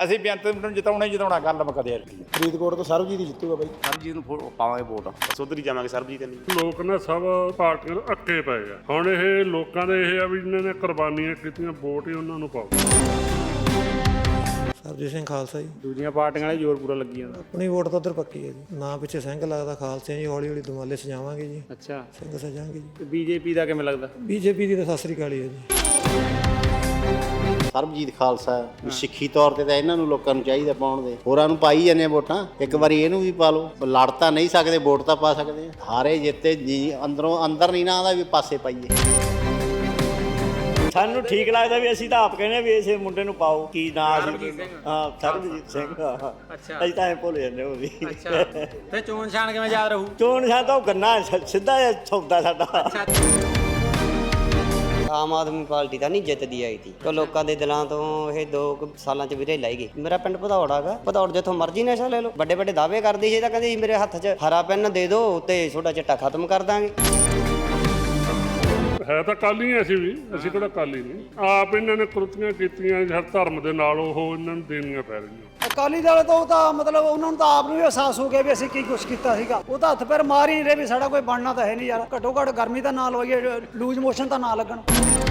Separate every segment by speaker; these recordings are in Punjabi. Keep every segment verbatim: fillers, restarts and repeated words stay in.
Speaker 1: ਅਸੀਂ ਬੇਅੰਤ ਨੂੰ ਜਿਤਾਉਣਾ ਹੀ ਜਿਤਾਉਣਾ, ਗੱਲ ਮੁੱਕਦੇ ਯਾਰ।
Speaker 2: ਫਰੀਦਕੋਟ ਤੋਂ ਸਰਬਜੀਤ ਹੀ ਜਿੱਤੂਗਾ ਬਾਈ।
Speaker 3: ਸਰਬਜੀਤ ਨੂੰ ਪਾਵਾਂਗੇ ਵੋਟ, ਬਸ ਉਧਰ ਹੀ ਜਾਵਾਂਗੇ ਸਰਬਜੀਤ ਨਹੀਂ।
Speaker 4: ਲੋਕ ਨਾ ਸਭ ਪਾਰਟੀਆਂ ਨੂੰ ਅੱਕੇ ਪਏ ਆ। ਹੁਣ ਇਹ ਲੋਕਾਂ ਦੇ ਇਹ ਆ ਵੀ ਜਿਹਨਾਂ ਨੇ ਕੁਰਬਾਨੀਆਂ ਕੀਤੀਆਂ, ਵੋਟ ਹੀ ਉਹਨਾਂ ਨੂੰ ਪਾਓ।
Speaker 2: ਸਰਬਜੀਤ ਸਿੰਘ ਖਾਲਸਾ ਜੀ।
Speaker 5: ਦੂਜੀਆਂ ਪਾਰਟੀਆਂ ਵਾਲੇ ਜ਼ੋਰ ਪੂਰਾ ਲੱਗੀ ਜਾਂਦਾ।
Speaker 2: ਆਪਣੀ ਵੋਟ ਤਾਂ ਉਧਰ ਪੱਕੀ ਹੈ ਜੀ, ਨਾ ਪਿੱਛੇ ਸਿੰਘ ਲੱਗਦਾ ਖਾਲਸੇ ਜੀ। ਹੌਲੀ ਹੌਲੀ ਦੁਮਾਲੇ ਸਜਾਵਾਂਗੇ ਜੀ।
Speaker 5: ਅੱਛਾ,
Speaker 2: ਸਿੰਘ ਸਜਾਵਾਂਗੇ ਜੀ।
Speaker 5: ਬੀਜੇਪੀ ਦਾ ਕਿਵੇਂ ਲੱਗਦਾ?
Speaker 2: ਬੀਜੇਪੀ ਦੀ ਤਾਂ ਸਤਿ ਸ੍ਰੀ ਅਕਾਲ ਹੀ ਹੈ ਜੀ।
Speaker 6: ਸਰਬਜੀਤ ਖਾਲਸਾ ਸਿੱਖੀ ਤੌਰ ਤੇ ਤਾਂ ਇਹਨਾਂ ਨੂੰ ਲੋਕਾਂ ਨੂੰ ਚਾਹੀਦਾ ਪਾਉਣ ਦੇ, ਹੋਰਾਂ ਨੂੰ ਪਾਈ ਜਾਂਦੇ ਵੋਟਾਂ। ਇੱਕ ਵਾਰੀ ਇਹਨੂੰ ਵੀ ਪਾ ਲਓ, ਲੜ ਤਾਂ ਨਹੀਂ ਸਕਦੇ, ਵੋਟ ਤਾਂ ਪਾ ਸਕਦੇ ਆ। ਹਾਰੇ ਜਿੱਤੇ ਜੀ ਅੰਦਰੋਂ ਅੰਦਰ ਨਹੀਂ ਨਾ ਆਉਂਦਾ ਵੀ ਪਾਸੇ ਪਾਈਏ।
Speaker 7: ਸਾਨੂੰ ਠੀਕ ਲੱਗਦਾ ਵੀ ਅਸੀਂ ਤਾਂ ਆਪ ਕਹਿੰਦੇ ਵੀ ਇਸੇ ਮੁੰਡੇ ਨੂੰ ਪਾਓ। ਕੀ ਨਾਂ ਸੀ? ਹਾਂ, ਸਰਬਜੀਤ ਸਿੰਘ।
Speaker 5: ਅੱਛਾ,
Speaker 7: ਅਸੀਂ ਤਾਂ ਐਂ ਭੁੱਲ ਜਾਂਦੇ ਉਹ ਵੀ।
Speaker 5: ਅੱਛਾ, ਤੇ ਚੋਣ ਨਿਸ਼ਾਨ ਕਿਵੇਂ ਯਾਦ ਰਹੂ?
Speaker 7: ਚੋਣ ਨਿਸ਼ਾਨ ਤਾਂ ਉਹ ਗੰਨਾ ਸਿੱਧਾ ਜਿਹਾ ਸੌਦਾ ਸਾਡਾ।
Speaker 8: ਆਮ ਆਦਮੀ ਪਾਰਟੀ ਤਾਂ ਨਹੀਂ ਜਿੱਤਦੀ ਆਈ ਤੀ, ਕਿ ਲੋਕਾਂ ਦੇ ਦਿਲਾਂ ਤੋਂ ਇਹ ਦੋ ਕੁ ਸਾਲਾਂ ਚ ਵੀਰੇ ਲਾਈ ਗਈ। ਮੇਰਾ ਪਿੰਡ ਭਦੌੜ ਹੈਗਾ, ਭਦੌੜ ਜਿੱਥੋਂ ਮਰਜ਼ੀ ਨਸ਼ਾ ਲੈ ਲਓ। ਵੱਡੇ ਵੱਡੇ ਦਾਅਵੇ ਕਰਦੀ ਸੀ, ਤਾਂ ਕਹਿੰਦੀ ਸੀ ਮੇਰੇ ਹੱਥ 'ਚ ਹਰਾ ਪੈਨ ਦੇ ਦਿਓ ਤੇ ਛੋਟਾ ਚਿੱਟਾ ਖਤਮ ਕਰ ਦਾਂਗੇ।
Speaker 4: ਹੈ ਤਾਂ ਕਾਲੀ ਅਸੀਂ ਵੀ, ਅਸੀਂ ਕਿਹੜਾ ਕਾਲੀ ਨਹੀਂ। ਆਪ ਇਹਨਾਂ ਨੇ ਕੁਰਤੀਆਂ ਕੀਤੀਆਂ ਹਰ ਧਰਮ ਦੇ ਨਾਲ, ਉਹ ਇਹਨਾਂ ਨੂੰ ਦੇਣੀਆਂ ਪੈ ਰਹੀਆਂ।
Speaker 9: ਅਕਾਲੀ ਦਲ ਤੋਂ ਤਾਂ ਮਤਲਬ ਉਹਨਾਂ ਨੂੰ ਤਾਂ ਆਪ ਨੂੰ ਵੀ ਅਹਿਸਾਸ ਹੋ ਗਿਆ ਵੀ ਅਸੀਂ ਕੀ ਕੁਛ ਕੀਤਾ ਸੀਗਾ। ਉਹ ਤਾਂ ਹੱਥ ਪੈਰ ਮਾਰ ਹੀ ਨਹੀਂ ਰਹੇ ਵੀ ਸਾਡਾ ਕੋਈ ਬਣਨਾ ਤਾਂ ਹੈ ਨਹੀਂ ਯਾਰ। ਘੱਟੋ ਘੱਟ ਗਰਮੀ ਦਾ ਨਾ ਲਵਾਈਏ, ਲੂਜ਼ ਮੋਸ਼ਨ ਤਾਂ ਨਾ ਲੱਗਣ।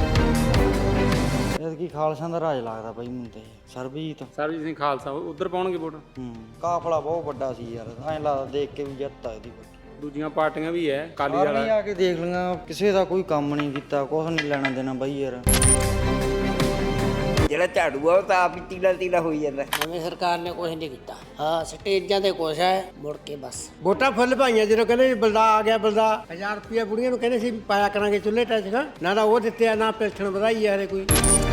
Speaker 8: ਕੀ ਖਾਲਸਾ ਦਾ ਰਾਜ ਲੱਗਦਾ ਬਾਈ ਮੈਨੂੰ ਤੇ। ਸਰਬਜੀਤ
Speaker 5: ਸਰਬਜੀਤ ਸਿੰਘ ਖਾਲਸਾ ਉਧਰ ਪਾਉਣਗੇ ਵੋਟ।
Speaker 8: ਹੂੰ, ਕਾਫਲਾ ਬਹੁਤ ਵੱਡਾ ਸੀ ਯਾਰ, ਐਂ ਲੱਗਦਾ ਦੇਖ ਕੇ ਵੀ ਜਿੱਤ ਆ ਇਹਦੀ।
Speaker 5: ਦੂਜੀਆਂ ਪਾਰਟੀਆਂ ਵੀ ਹੈ, ਅਕਾਲੀ ਦਲ
Speaker 8: ਆਰਮੀ ਆ ਕੇ ਦੇਖ ਲਈਆਂ, ਕਿਸੇ ਦਾ ਕੋਈ ਕੰਮ ਨਹੀਂ ਕੀਤਾ, ਕੁਛ ਨਹੀਂ ਲੈਣਾ ਦੇਣਾ ਬਾਈ ਯਾਰ।
Speaker 7: ਜਿਹੜਾ ਝਾੜੂ ਆ ਉਹ ਤਾਂ ਆਪ ਹੀ ਤੀਲਾ ਤੀਲਾ ਹੋਈ ਜਾਂਦਾ।
Speaker 10: ਨਵੀਂ ਸਰਕਾਰ ਨੇ ਕੁਝ ਨਹੀਂ ਕੀਤਾ। ਹਾਂ, ਸਟੇਜਾਂ ਤੇ ਕੁਛ ਹੈ, ਮੁੜ ਕੇ ਬਸ
Speaker 9: ਵੋਟਾਂ ਫੁੱਲ ਪਾਈਆਂ। ਜਦੋਂ ਕਹਿੰਦੇ ਵੀ ਬਲਦਾ ਆ ਗਿਆ, ਬਲਦਾ ਹਜ਼ਾਰ ਰੁਪਇਆ ਬੁੜੀਆਂ ਨੂੰ ਕਹਿੰਦੇ ਸੀ ਪਾਇਆ ਕਰਾਂਗੇ ਚੁੱਲ੍ਹੇ ਟੈਚ। ਨਾ ਤਾਂ ਉਹ ਦਿੱਤੇ ਆ, ਨਾ ਪੈਨਸ਼ਨ ਵਧਾਈ ਆ ਹਰੇ ਕੋਈ।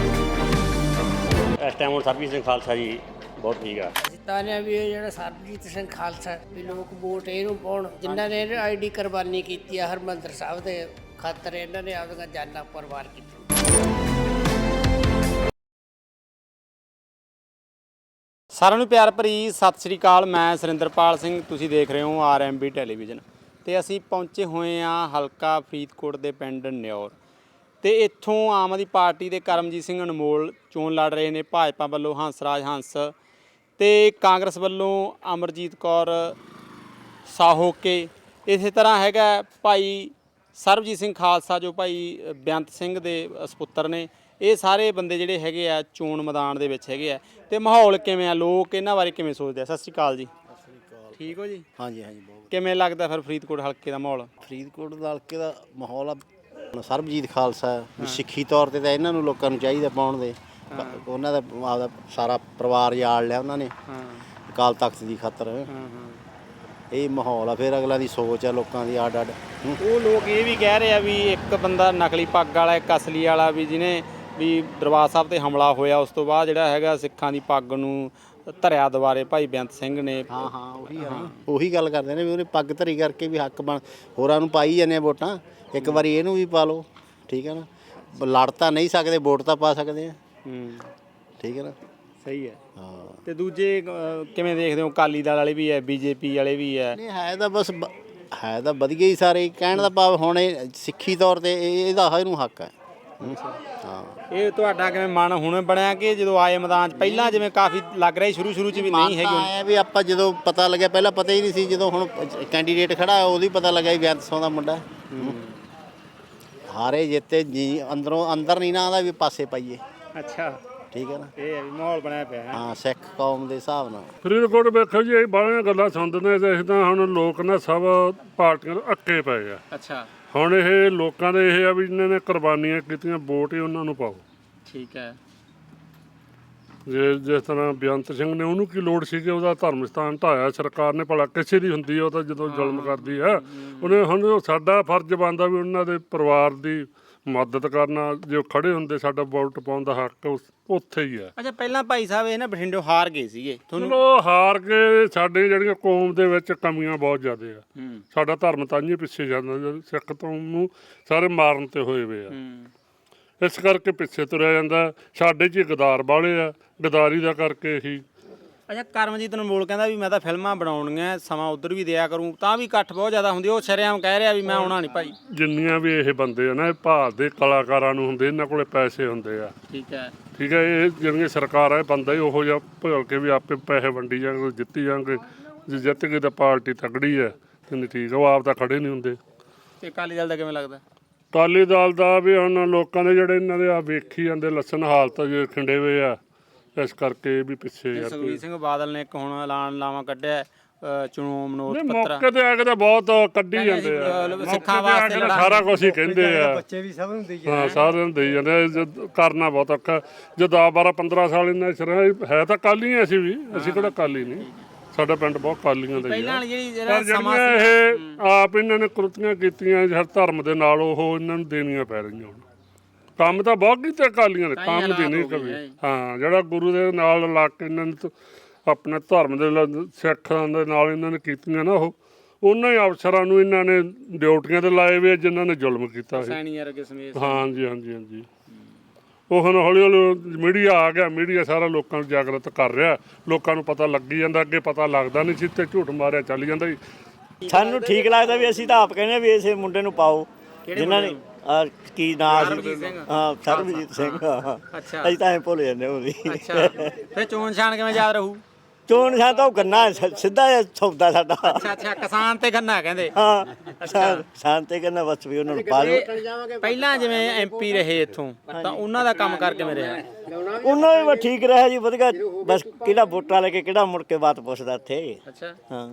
Speaker 3: ਇਸ ਟਾਈਮ ਹੁਣ ਸਰਬਜੀਤ ਸਿੰਘ ਖਾਲਸਾ ਜੀ ਬਹੁਤ ਠੀਕ ਆ।
Speaker 10: ਜਿਤਾਨਿਆ ਵੀ ਇਹ ਜਿਹੜਾ ਸਰਬਜੀਤ ਸਿੰਘ ਖਾਲਸਾ ਵੀ ਲੋਕ ਵੋਟ ਇਹਨੂੰ ਪਾਉਣ, ਜਿਨ੍ਹਾਂ ਨੇ ਆਈਡੀ ਕੁਰਬਾਨੀ ਕੀਤੀ ਆ ਹਰਿਮੰਦਰ ਸਾਹਿਬ ਦੇ ਖਾਤਰ। ਇਹਨਾਂ ਨੇ ਆਪਦੀਆਂ ਜਾਨਾਂ ਕੁਰਬਾਨ ਕੀਤੀਆਂ।
Speaker 5: ਸਾਰਿਆਂ ਨੂੰ ਪਿਆਰ ਭਰੀ ਸਤਿ ਸ੍ਰੀ ਅਕਾਲ। ਮੈਂ ਸੁਰਿੰਦਰਪਾਲ ਸਿੰਘ, ਤੁਸੀਂ ਦੇਖ ਰਹੇ ਹੋ ਆਰ ਐਮ ਬੀ ਟੈਲੀਵਿਜ਼ਨ। ਤੇ ਅਸੀਂ ਪਹੁੰਚੇ ਹੋਏ ਹਾਂ ਹਲਕਾ ਫਰੀਦਕੋਟ ਦੇ ਪਿੰਡ ਨਿਓਰ। ਤੇ ਇੱਥੋਂ ਆਮ ਆਦਮੀ ਪਾਰਟੀ ਦੇ ਕਰਮਜੀਤ ਸਿੰਘ ਅਨਮੋਲ ਚੋਣ ਲੜ ਰਹੇ ਨੇ। ਭਾਜਪਾ ਵੱਲੋਂ ਹੰਸਰਾਜ ਹੰਸ ਤੇ ਕਾਂਗਰਸ ਵੱਲੋਂ ਅਮਰਜੀਤ ਕੌਰ ਸਾਹੋਕੇ। ਇਸੇ ਤਰ੍ਹਾਂ ਹੈਗਾ ਭਾਈ ਸਰਬਜੀਤ ਸਿੰਘ ਖਾਲਸਾ, ਜੋ ਭਾਈ ਬੇਅੰਤ ਸਿੰਘ ਦੇ ਸਪੁੱਤਰ ਨੇ। ਇਹ ਸਾਰੇ ਬੰਦੇ ਜਿਹੜੇ ਹੈਗੇ ਆ ਚੋਣ ਮੈਦਾਨ ਦੇ ਵਿੱਚ ਹੈਗੇ ਆ। ਤੇ ਮਾਹੌਲ ਕਿਵੇਂ ਆ, ਲੋਕ ਇਹਨਾਂ ਬਾਰੇ ਕਿਵੇਂ ਸੋਚਦੇ ਆ? ਸਤਿ ਸ਼੍ਰੀ ਅਕਾਲ ਜੀ।
Speaker 6: ਸਤਿ ਸ੍ਰੀ ਅਕਾਲ।
Speaker 5: ਠੀਕ ਹੋ ਜੀ?
Speaker 6: ਹਾਂਜੀ ਹਾਂਜੀ, ਬਹੁਤ
Speaker 5: ਕਿਵੇਂ ਲੱਗਦਾ ਫਿਰ ਫਰੀਦਕੋਟ ਹਲਕੇ ਦਾ ਮਾਹੌਲ?
Speaker 6: ਫਰੀਦਕੋਟ ਦਾ ਹਲਕੇ ਦਾ ਮਾਹੌਲ ਆ। ਸਰਬਜੀਤ ਖਾਲਸਾ ਸਿੱਖੀ ਤੌਰ ਤੇ ਤਾਂ ਇਹਨਾਂ ਨੂੰ ਲੋਕਾਂ ਨੂੰ ਚਾਹੀਦਾ ਪਾਉਣ ਦੇ। ਉਹਨਾਂ ਦਾ ਆਪਦਾ ਸਾਰਾ ਪਰਿਵਾਰ ਜਾਲ ਲਿਆ ਉਹਨਾਂ ਨੇ ਅਕਾਲ ਤਖਤ ਦੀ ਖਾਤਰ। ਇਹ ਮਾਹੌਲ ਆ, ਫਿਰ ਅਗਲਾ ਦੀ ਸੋਚ ਆ ਲੋਕਾਂ ਦੀ ਅੱਡ ਅੱਡ।
Speaker 5: ਉਹ ਲੋਕ ਇਹ ਵੀ ਕਹਿ ਰਹੇ ਆ ਵੀ ਇੱਕ ਬੰਦਾ ਨਕਲੀ ਪੱਗ ਵਾਲਾ, ਇੱਕ ਅਸਲੀ ਵਾਲਾ, ਵੀ ਜਿਹਨੇ ਵੀ ਦਰਬਾਰ ਸਾਹਿਬ ਤੇ ਹਮਲਾ ਹੋਇਆ ਉਸ ਤੋਂ ਬਾਅਦ ਜਿਹੜਾ ਹੈਗਾ ਸਿੱਖਾਂ ਦੀ ਪੱਗ ਨੂੰ ਧਰਿਆ ਦੁਬਾਰੇ ਭਾਈ ਬੇਅੰਤ ਸਿੰਘ ਨੇ।
Speaker 6: ਹਾਂ ਹਾਂ, ਉਹੀ ਆ ਉਹੀ ਗੱਲ ਕਰਦੇ ਨੇ ਵੀ ਉਹਨੇ ਪੱਗ ਧਰੀ ਕਰਕੇ ਵੀ ਹੱਕ ਬਣ, ਹੋਰਾਂ ਨੂੰ ਪਾਈ ਜਾਂਦੇ ਵੋਟਾਂ। ਇੱਕ ਵਾਰੀ ਇਹਨੂੰ ਵੀ ਪਾ ਲਓ, ਠੀਕ ਹੈ ਨਾ। ਲੜ ਤਾਂ ਨਹੀਂ ਸਕਦੇ, ਵੋਟ ਤਾਂ ਪਾ ਸਕਦੇ ਆ।
Speaker 5: ਹੂੰ,
Speaker 6: ਠੀਕ ਹੈ ਨਾ।
Speaker 5: ਸਹੀ ਹੈ।
Speaker 6: ਹਾਂ,
Speaker 5: ਤੇ ਦੂਜੇ ਕਿਵੇਂ ਦੇਖਦੇ ਹੋ? ਅਕਾਲੀ ਦਲ ਵਾਲੇ ਵੀ ਹੈ, ਬੀਜੇਪੀ ਵਾਲੇ ਵੀ ਹੈ।
Speaker 6: ਨਹੀਂ ਹੈ ਤਾਂ ਬਸ ਹੈ ਤਾਂ ਵਧੀਆ ਹੀ ਸਾਰੇ। ਕਹਿਣ ਦਾ ਭਾਵ ਹੁਣ ਇਹ ਸਿੱਖੀ ਤੌਰ ਤੇ ਇਹਦਾ ਇਹਨੂੰ ਹੱਕ ਹੈ। ਹਾਂ, ਇਹ
Speaker 5: ਤੁਹਾਡਾ ਕਿਵੇਂ ਮਨ ਹੁਣ ਬਣਿਆ ਕਿ ਜਦੋਂ ਆਏ ਮੈਦਾਨ 'ਚ ਪਹਿਲਾਂ ਜਿਵੇਂ ਕਾਫੀ ਲੱਗ ਰਿਹਾ ਸ਼ੁਰੂ ਸ਼ੁਰੂ 'ਚ ਵੀ ਨਹੀਂ ਹੈਗੀ?
Speaker 6: ਆਇਆ ਵੀ ਆਪਾਂ ਜਦੋਂ ਪਤਾ ਲੱਗਿਆ, ਪਹਿਲਾਂ ਪਤਾ ਹੀ ਨਹੀਂ ਸੀ। ਜਦੋਂ ਹੁਣ ਕੈਂਡੀਡੇਟ ਖੜਾ ਉਹਦੀ ਪਤਾ ਲੱਗਿਆ ਵੀ ਬੇਅੰਤ ਸਿੰਘ ਦਾ ਮੁੰਡਾ। ਹਾਰੇ ਜਿੱਤੇ ਜੀ ਅੰਦਰੋਂ ਅੰਦਰ ਨਹੀਂ ਨਾ ਆਉਂਦਾ ਵੀ ਪਾਸੇ ਪਾਈਏ।
Speaker 5: ਅੱਛਾ,
Speaker 6: ਠੀਕ ਹੈ ਨਾ।
Speaker 5: ਇਹ ਹੈ ਵੀ ਮਾਹੌਲ ਬਣਿਆ ਪਿਆ ਹੈ।
Speaker 6: ਹਾਂ, ਸਿੱਖ ਕੌਮ ਦੇ ਹਿਸਾਬ ਨਾਲ।
Speaker 4: ਫਰੀਦਕੋਟ ਵੇਖੋ ਜੀ, ਇਹ ਬਾਹਲੀਆਂ ਗੱਲਾਂ ਸੁਣਦੇ ਨੇ ਤੇ ਅਸੀਂ ਤਾਂ ਹੁਣ ਲੋਕ ਨਾ ਸਭ ਪਾਰਟੀਆਂ ਨੂੰ ਅੱਕੇ ਪਏ ਆ।
Speaker 5: ਅੱਛਾ,
Speaker 4: ਹੁਣ ਇਹ ਲੋਕਾਂ ਦੇ ਇਹ ਆ ਵੀ ਜਿਹਨਾਂ ਨੇ ਕੁਰਬਾਨੀਆਂ ਕੀਤੀਆਂ, ਵੋਟ ਹੀ ਉਹਨਾਂ ਨੂੰ ਪਾਓ।
Speaker 5: ਠੀਕ ਹੈ।
Speaker 4: ਜੇ ਜਿਸ ਤਰ੍ਹਾਂ ਬੇਅੰਤ ਸਿੰਘ ਨੇ, ਉਹਨੂੰ ਕੀ ਲੋੜ ਸੀ ਕਿ ਉਹਦਾ ਧਰਮ ਸਥਾਨ ਢਾਇਆ ਸਰਕਾਰ ਨੇ? ਭਲਾ ਕਿਸੇ ਦੀ ਹੁੰਦੀ ਉਹ ਤਾਂ ਜਦੋਂ ਜ਼ੁਲਮ ਕਰਦੀ ਹੈ। ਉਹਨੇ ਹੁਣ ਸਾਡਾ ਫਰਜ਼ ਬਣਦਾ ਵੀ ਉਹਨਾਂ ਦੇ ਪਰਿਵਾਰ ਦੀ ਮਦਦ ਕਰਨਾ। ਜੇ ਖੜੇ ਹੁੰਦੇ, ਸਾਡਾ ਵੋਟ ਪਾਉਣ ਦਾ ਹੱਕ ਉੱਥੇ ਹੀ ਹੈ।
Speaker 5: ਅੱਛਾ, ਪਹਿਲਾਂ ਭਾਈ ਸਾਹਿਬ ਇਹ ਨਾ ਬਠਿੰਡੇ ਹਾਰ ਗਏ ਸੀਗੇ ਤੁਹਾਨੂੰ?
Speaker 4: ਚਲੋ ਹਾਰ ਕੇ, ਸਾਡੀ ਜਿਹੜੀਆਂ ਕੌਮ ਦੇ ਵਿੱਚ ਕਮੀਆਂ ਬਹੁਤ ਜ਼ਿਆਦਾ ਆ। ਸਾਡਾ ਧਰਮ ਤਾਂ ਹੀ ਪਿੱਛੇ ਜਾਂਦਾ, ਸਿੱਖ ਤੋਂ ਨੂੰ ਸਾਰੇ ਮਾਰਨ ਤੇ ਹੋਏ ਵੇ ਆ। ਇਸ ਕਰਕੇ ਪਿੱਛੇ ਤੁਰਿਆ ਜਾਂਦਾ। ਸਾਡੇ 'ਚ ਗਦਾਰ ਵਾਲੇ ਆ, ਗਦਾਰੀ ਦਾ ਕਰਕੇ ਹੀ
Speaker 5: ਅੱਛਾ ਕਰਮਜੀਤ ਅਨਮੋਲ ਕਹਿੰਦਾ ਵੀ ਮੈਂ ਤਾਂ ਫਿਲਮਾਂ ਬਣਾਉਣੀਆਂ, ਸਮਾਂ ਉਧਰ ਵੀ ਦਿਆ ਕਰੂੰ, ਤਾਂ ਵੀ ਇਕੱਠ ਬਹੁਤ ਜ਼ਿਆਦਾ ਹੁੰਦੀ। ਉਹ ਸ਼ਰੇਆਮ ਕਹਿ ਰਿਹਾ ਵੀ ਮੈਂ ਆਉਣਾ ਨਹੀਂ ਭਾਈ।
Speaker 4: ਜਿੰਨੀਆਂ ਵੀ ਇਹ ਬੰਦੇ ਆ ਨਾ, ਇਹ ਭਾਰਤ ਦੇ ਕਲਾਕਾਰਾਂ ਨੂੰ ਹੁੰਦੇ, ਇਹਨਾਂ ਕੋਲੇ ਪੈਸੇ ਹੁੰਦੇ ਆ।
Speaker 5: ਠੀਕ ਹੈ
Speaker 4: ਠੀਕ ਹੈ, ਇਹ ਜਿਹੜੀਆਂ ਸਰਕਾਰ ਹੈ ਬੰਦਾ ਹੀ ਉਹੋ ਜਿਹਾ ਭੁੱਲ ਕੇ ਵੀ ਆਪੇ ਪੈਸੇ ਵੰਡੀ ਜਾਣਗੇ, ਜਿੱਤੀ ਜਾਣਗੇ। ਜੇ ਜਿੱਤ ਗਏ ਤਾਂ ਪਾਰਟੀ ਤਕੜੀ ਹੈ, ਨਹੀਂ ਠੀਕ ਹੈ, ਉਹ ਆਪ ਤਾਂ ਖੜੇ ਨਹੀਂ ਹੁੰਦੇ।
Speaker 5: ਤੇ ਅਕਾਲੀ ਦਲ ਦਾ ਕਿਵੇਂ ਲੱਗਦਾ?
Speaker 4: ਅਕਾਲੀ ਦਲ ਦਾ ਵੀ ਹੁਣ ਲੋਕਾਂ ਦੇ ਜਿਹੜੇ ਇਹਨਾਂ ਦੇ ਆ ਵੇਖੀ ਜਾਂਦੇ ਲੱਸਣ ਹਾਲਤ ਜੇ ਖਿੰਡੇ ਹੋਏ ਆ, ਇਸ ਕਰਕੇ ਵੀ ਪਿੱਛੇ ਯਾਰ।
Speaker 5: ਸੁਖਬੀਰ ਸਿੰਘ ਬਾਦਲ ਨੇ ਇੱਕ ਹੁਣ ਐਲਾਨ ਲਾਵਾਂ ਕੱਢਿਆ, ਅ, ਚੁਣੋ ਮਨੋਜ
Speaker 4: ਨਹੀਂ,
Speaker 5: ਪੱਤਰ।
Speaker 4: ਮੌਕੇ ਤੇ ਆ ਕੇ ਤਾਂ ਬਹੁਤ ਕੱਢੀ ਜਾਂਦੇ ਆ,
Speaker 5: ਸਿੱਖਾਂ ਵਾਸਤੇ
Speaker 4: ਸਾਰਾ ਕੁਝ ਹੀ ਕਹਿੰਦੇ ਆ।
Speaker 9: ਬੱਚੇ ਵੀ ਸਭ ਨੂੰ ਦੇਈ
Speaker 4: ਹਾਂ, ਸਾਰਿਆਂ ਨੂੰ ਦੇਈ ਜਾਂਦੇ ਆ, ਜਦ ਕਰਨਾ ਬਹੁਤ ਔਖਾ। ਜੇ ਦਸ ਬਾਰਾਂ ਪੰਦਰਾਂ ਸਾਲ ਇਹਨਾਂ ਸਿਰ ਹੈ ਤਾਂ ਕਾਲੀ ਆ, ਅਸੀਂ ਵੀ, ਅਸੀਂ ਕਿਹੜਾ ਕਾਲੀ ਨਹੀਂ, ਸਾਡਾ ਪਿੰਡ ਬਹੁਤ ਕਾਲੀਆਂ ਦਾ ਹੀ
Speaker 5: ਪਹਿਲਾਂ
Speaker 4: ਆ।
Speaker 5: ਵਾਲੀ ਜਿਹੜੀ
Speaker 4: ਪਰ
Speaker 5: ਜਿਹੜਾ
Speaker 4: ਜਿਹੜੀਆਂ ਇਹ ਆਪ ਇਹਨਾਂ ਨੇ ਕੁਰਤੀਆਂ ਕੀਤੀਆਂ ਹਰ ਧਰਮ ਦੇ ਨਾਲ, ਉਹ ਇਹਨਾਂ ਨੂੰ ਦੇਣੀਆਂ ਪੈ ਰਹੀਆਂ ਹੁਣ। ਕੰਮ ਤਾਂ ਬਹੁਤ ਕੀਤੇ ਅਕਾਲੀਆਂ ਨੇ, ਕੰਮ ਦੀ ਨਹੀਂ ਕਵੀ। ਹਾਂ, ਜਿਹੜਾ ਗੁਰੂ ਦੇ ਨਾਲ ਲਾ ਕੇ ਇਹਨਾਂ ਨੇ ਆਪਣੇ ਧਰਮ ਦੇ ਸਿੱਖਾਂ ਦੇ ਨਾਲ ਇਹਨਾਂ ਨੇ ਕੀਤੀਆਂ ਨਾ, ਉਹ ਉਹਨਾਂ ਹੀ ਅਫਸਰਾਂ ਨੂੰ ਇਹਨਾਂ ਨੇ ਡਿਊਟੀਆਂ ਤੇ ਲਾਏ ਵੇ ਜਿਨ੍ਹਾਂ ਨੇ ਜ਼ੁਲਮ ਕੀਤਾ ਸੀ। ਹਾਂਜੀ ਹਾਂਜੀ ਹਾਂਜੀ। ਉਹ ਹੁਣ ਹੌਲੀ ਹੌਲੀ ਮੀਡੀਆ ਆ ਗਿਆ, ਮੀਡੀਆ ਸਾਰਾ ਲੋਕਾਂ ਨੂੰ ਜਾਗਰਤ ਕਰ ਰਿਹਾ, ਲੋਕਾਂ ਨੂੰ ਪਤਾ ਲੱਗੀ ਜਾਂਦਾ। ਅੱਗੇ ਪਤਾ ਲੱਗਦਾ ਨਹੀਂ ਸੀ ਤੇ ਝੂਠ ਮਾਰਿਆ ਚੱਲ ਜਾਂਦਾ ਜੀ।
Speaker 7: ਸਾਨੂੰ ਠੀਕ ਲੱਗਦਾ ਵੀ ਅਸੀਂ ਤਾਂ ਆਪ ਕਹਿੰਦੇ ਵੀ ਇਸੇ ਮੁੰਡੇ ਨੂੰ ਪਾਓ ਜਿਨ੍ਹਾਂ ਨੇ ਆਹ ਕੀ ਨਾਂ ਸੀ, ਹਾਂ ਸਰਬਜੀਤ ਸਿੰਘ।
Speaker 5: ਅੱਛਾ,
Speaker 7: ਅਸੀਂ ਤਾਂ ਐਂ ਭੁੱਲ ਜਾਂਦੇ ਉਹਦੀ।
Speaker 5: ਅੱਛਾ, ਫਿਰ ਚੋਣ ਨਿਸ਼ਾਨ ਕਿਵੇਂ ਯਾਦ ਰਹੂ?
Speaker 7: ਚੋਣ ਨਿਸ਼ਾਨ ਤਾਂ ਉਹ ਗੰਨਾ ਸਿੱਧਾ ਜਿਹਾ ਸੌਦਾ ਸਾਡਾ।
Speaker 5: ਅੱਛਾ ਅੱਛਾ, ਕਿਸਾਨ ਤੇ ਗੰਨਾ ਕਹਿੰਦੇ।
Speaker 7: ਹਾਂ, ਕਿਸਾਨ ਤੇ ਗੰਨਾ ਬਸ ਵੀ ਉਹਨਾਂ ਨੂੰ ਪਾ ਦਿਓ।
Speaker 5: ਪਹਿਲਾਂ ਜਿਵੇਂ ਐਮਪੀ ਰਹੇ ਇੱਥੋਂ, ਤਾਂ ਉਹਨਾਂ ਦਾ ਕੰਮ ਕਰ ਕਿਵੇਂ ਰਿਹਾ?
Speaker 7: ਉਹਨਾਂ ਵੀ ਬਸ ਠੀਕ ਰਿਹਾ ਜੀ, ਵਧੀਆ। ਬਸ ਕਿਹੜਾ ਵੋਟਾਂ ਲੈ ਕੇ ਕਿਹੜਾ ਮੁੜ ਕੇ ਬਾਤ ਪੁੱਛਦਾ ਇੱਥੇ।
Speaker 5: ਅੱਛਾ,
Speaker 7: ਹਾਂ,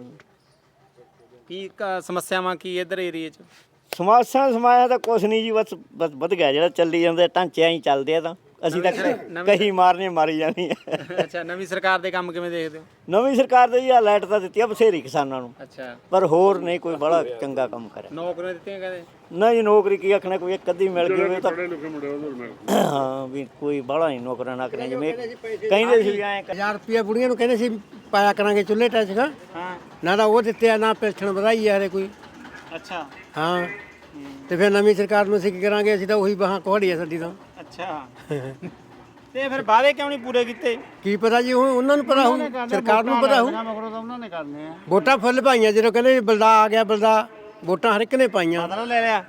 Speaker 5: ਕੀ ਕ- ਸਮੱਸਿਆਵਾਂ ਕੀ ਇੱਧਰ ਏਰੀਏ 'ਚ?
Speaker 7: ਸਮਾਸਾਂ ਸਮਾਇਆ ਤਾਂ ਕੁਛ ਨਹੀਂ ਜੀ, ਬਸ ਬਸ ਵਧ ਗਿਆ ਜਿਹੜਾ ਚੱਲੀ ਜਾਂਦੇ ਢਾਂਚੇ ਹੀ ਚੱਲਦੇ ਆ। ਤਾਂ ਅਸੀਂ ਤਾਂ ਕਹੀ ਮਾਰਨੇ ਮਾਰੀ ਜਾਣੀ ਹੈ।
Speaker 5: ਅੱਛਾ, ਨਵੀਂ ਸਰਕਾਰ ਦੇ ਕੰਮ ਕਿਵੇਂ ਦੇਖਦੇ ਹੋ?
Speaker 7: ਨਵੀਂ ਸਰਕਾਰ ਦੇ ਜੀ ਆ ਲਾਈਟ ਤਾਂ ਦਿੱਤੀ ਆ ਬਥੇਰੀ ਕਿਸਾਨਾਂ ਨੂੰ,
Speaker 5: ਅੱਛਾ,
Speaker 7: ਪਰ ਹੋਰ ਨਹੀਂ ਕੋਈ ਬੜਾ ਚੰਗਾ ਕੰਮ ਕਰਿਆ।
Speaker 5: ਨੌਕਰੀਆਂ ਦਿੱਤੀਆਂ ਕਹਿੰਦੇ?
Speaker 7: ਨਹੀਂ, ਨੌਕਰੀ ਕੀ ਆਖਣਾ, ਕੋਈ ਇੱਕ ਅੱਧੀ ਮਿਲ ਗਈ ਤਾਂ
Speaker 4: ਪੜ੍ਹੇ ਲਿਖੇ ਮੁੰਡੇ ਉਹਦੇ ਮਿਲ
Speaker 7: ਹਾਂ, ਵੀ ਕੋਈ ਬਾਹਲਾ ਨਹੀਂ ਨੌਕਰਾਂ ਨਾਕਰੀਆਂ ਜਿਵੇਂ ਕਹਿੰਦੇ ਸੀ ਵੀ ਐਂ ਕਰ-
Speaker 9: ਹਜ਼ਾਰ ਰੁਪਏ ਬੁੜੀਆਂ ਨੂੰ ਕਹਿੰਦੇ ਸੀ ਪਾਇਆ ਕਰਾਂਗੇ ਚੁੱਲ੍ਹੇ ਟੈਚ ਦਾ,
Speaker 5: ਹਾਂ,
Speaker 9: ਨਾ ਤਾਂ ਉਹ ਦਿੱਤੇ ਆ, ਨਾ ਪੈਨਸ਼ਨ ਵਧਾਈ ਆ ਹਰੇ ਕੋਈ।
Speaker 5: ਅੱਛਾ
Speaker 9: ਹਾਂ, ਤੇ ਫਿਰ ਨਵੀਂ ਸਰਕਾਰ ਨੂੰ ਅਸੀਂ ਕੀ ਕਰਾਂਗੇ? ਅਸੀਂ ਤਾਂ ਉਹੀ ਬਾਹਾਂ ਕੋਹੜੀ ਆ ਸਾਡੀ ਤਾਂ।
Speaker 5: ਅੱਛਾ, ਤੇ ਫਿਰ ਵਾਅਦੇ ਕਿਉਂ ਨਹੀਂ ਪੂਰੇ ਕੀਤੇ?
Speaker 9: ਕੀ ਪਤਾ ਜੀ, ਹੁਣ ਉਹਨਾਂ ਨੂੰ ਪਤਾ ਹੋਊ, ਸਰਕਾਰ ਨੂੰ ਪਤਾ ਹੋਊ।
Speaker 5: ਉਹਨਾਂ ਨੇ ਕਰਨੇ ਆ।
Speaker 9: ਵੋਟਾਂ ਫੁੱਲ ਪਾਈਆਂ ਜਦੋਂ ਕਹਿੰਦੇ ਵੀ ਬਲਦਾ ਆ ਗਿਆ, ਬਲਦਾ ਵੋਟਾਂ ਹਰ ਇੱਕ ਨੇ ਪਾਈਆਂ।
Speaker 5: ਬਦਲਾ ਲੈ ਲਿਆ।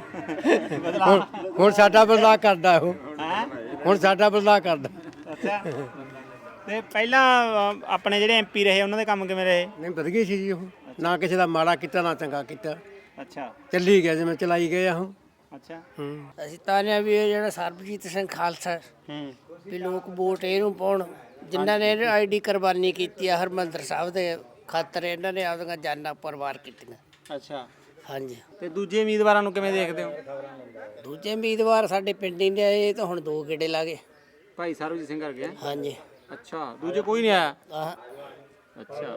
Speaker 9: ਹੁਣ ਹੁਣ ਸਾਡਾ ਬਲਦਾ ਕਰਦਾ ਉਹ, ਹੁਣ ਸਾਡਾ ਬਲਦਾ ਕਰਦਾ।
Speaker 5: ਅੱਛਾ, ਤੇ ਪਹਿਲਾਂ ਅ, ਆਪਣੇ ਜਿਹੜੇ ਐਮਪੀ ਰਹੇ ਉਹਨਾਂ ਦੇ ਕੰਮ ਕਿਵੇਂ ਰਹੇ?
Speaker 9: ਨਹੀਂ ਵਧ ਗਈ ਸੀ ਜੀ ਉਹ, ਨਾ ਕਿਸੇ ਦਾ ਮਾੜਾ ਕੀਤਾ ਨਾ ਚੰਗਾ ਕੀਤਾ,
Speaker 5: ਅੱਛਾ
Speaker 9: ਚੱਲੀ ਗਿਆ ਜਿਵੇਂ ਚਲਾਈ ਗਏ ਆ ਉਹ।
Speaker 5: ਅੱਛਾ,
Speaker 9: ਹੂੰ,
Speaker 10: ਅਸੀਂ ਤਾਂ ਨੇ ਵੀ ਇਹ ਜਿਹੜਾ ਸਰਬਜੀਤ ਸਿੰਘ ਖਾਲਸਾ
Speaker 5: ਹੂੰ,
Speaker 10: ਵੀ ਲੋਕ ਵੋਟ ਇਹਨੂੰ ਪਾਉਣ ਜਿਨ੍ਹਾਂ ਨੇ ਆਈਡੀ ਕੁਰਬਾਨੀ ਕੀਤੀ ਆ ਹਰਮੰਦਰ ਸਾਹਿਬ ਦੇ ਖਾਤਰ। ਇਹਨਾਂ ਨੇ ਆਪਦੀਆਂ ਜਾਨਾਂ ਪਰਵਾਰ ਕੀਤੀਆਂ।
Speaker 5: ਅੱਛਾ,
Speaker 10: ਹਾਂਜੀ,
Speaker 5: ਤੇ ਦੂਜੇ ਉਮੀਦਵਾਰਾਂ ਨੂੰ ਕਿਵੇਂ ਦੇਖਦੇ ਹੋ?
Speaker 10: ਦੂਜੇ ਉਮੀਦਵਾਰ ਸਾਡੇ ਪਿੰਡ ਹੀ ਨੇ ਆਏ, ਇਹ ਤਾਂ ਹੁਣ ਦੋ ਗੇੜੇ ਲਾ ਗਏ।
Speaker 5: ਭਾਈ ਸਰਬਜੀਤ ਸਿੰਘ ਕਰ ਗਿਆ?
Speaker 10: ਹਾਂਜੀ,
Speaker 5: ਅੱਛਾ, ਦੂਜੇ ਕੋਈ ਨਹੀਂ ਆਇਆ?
Speaker 10: ਆਹ
Speaker 5: ਅੱਛਾ,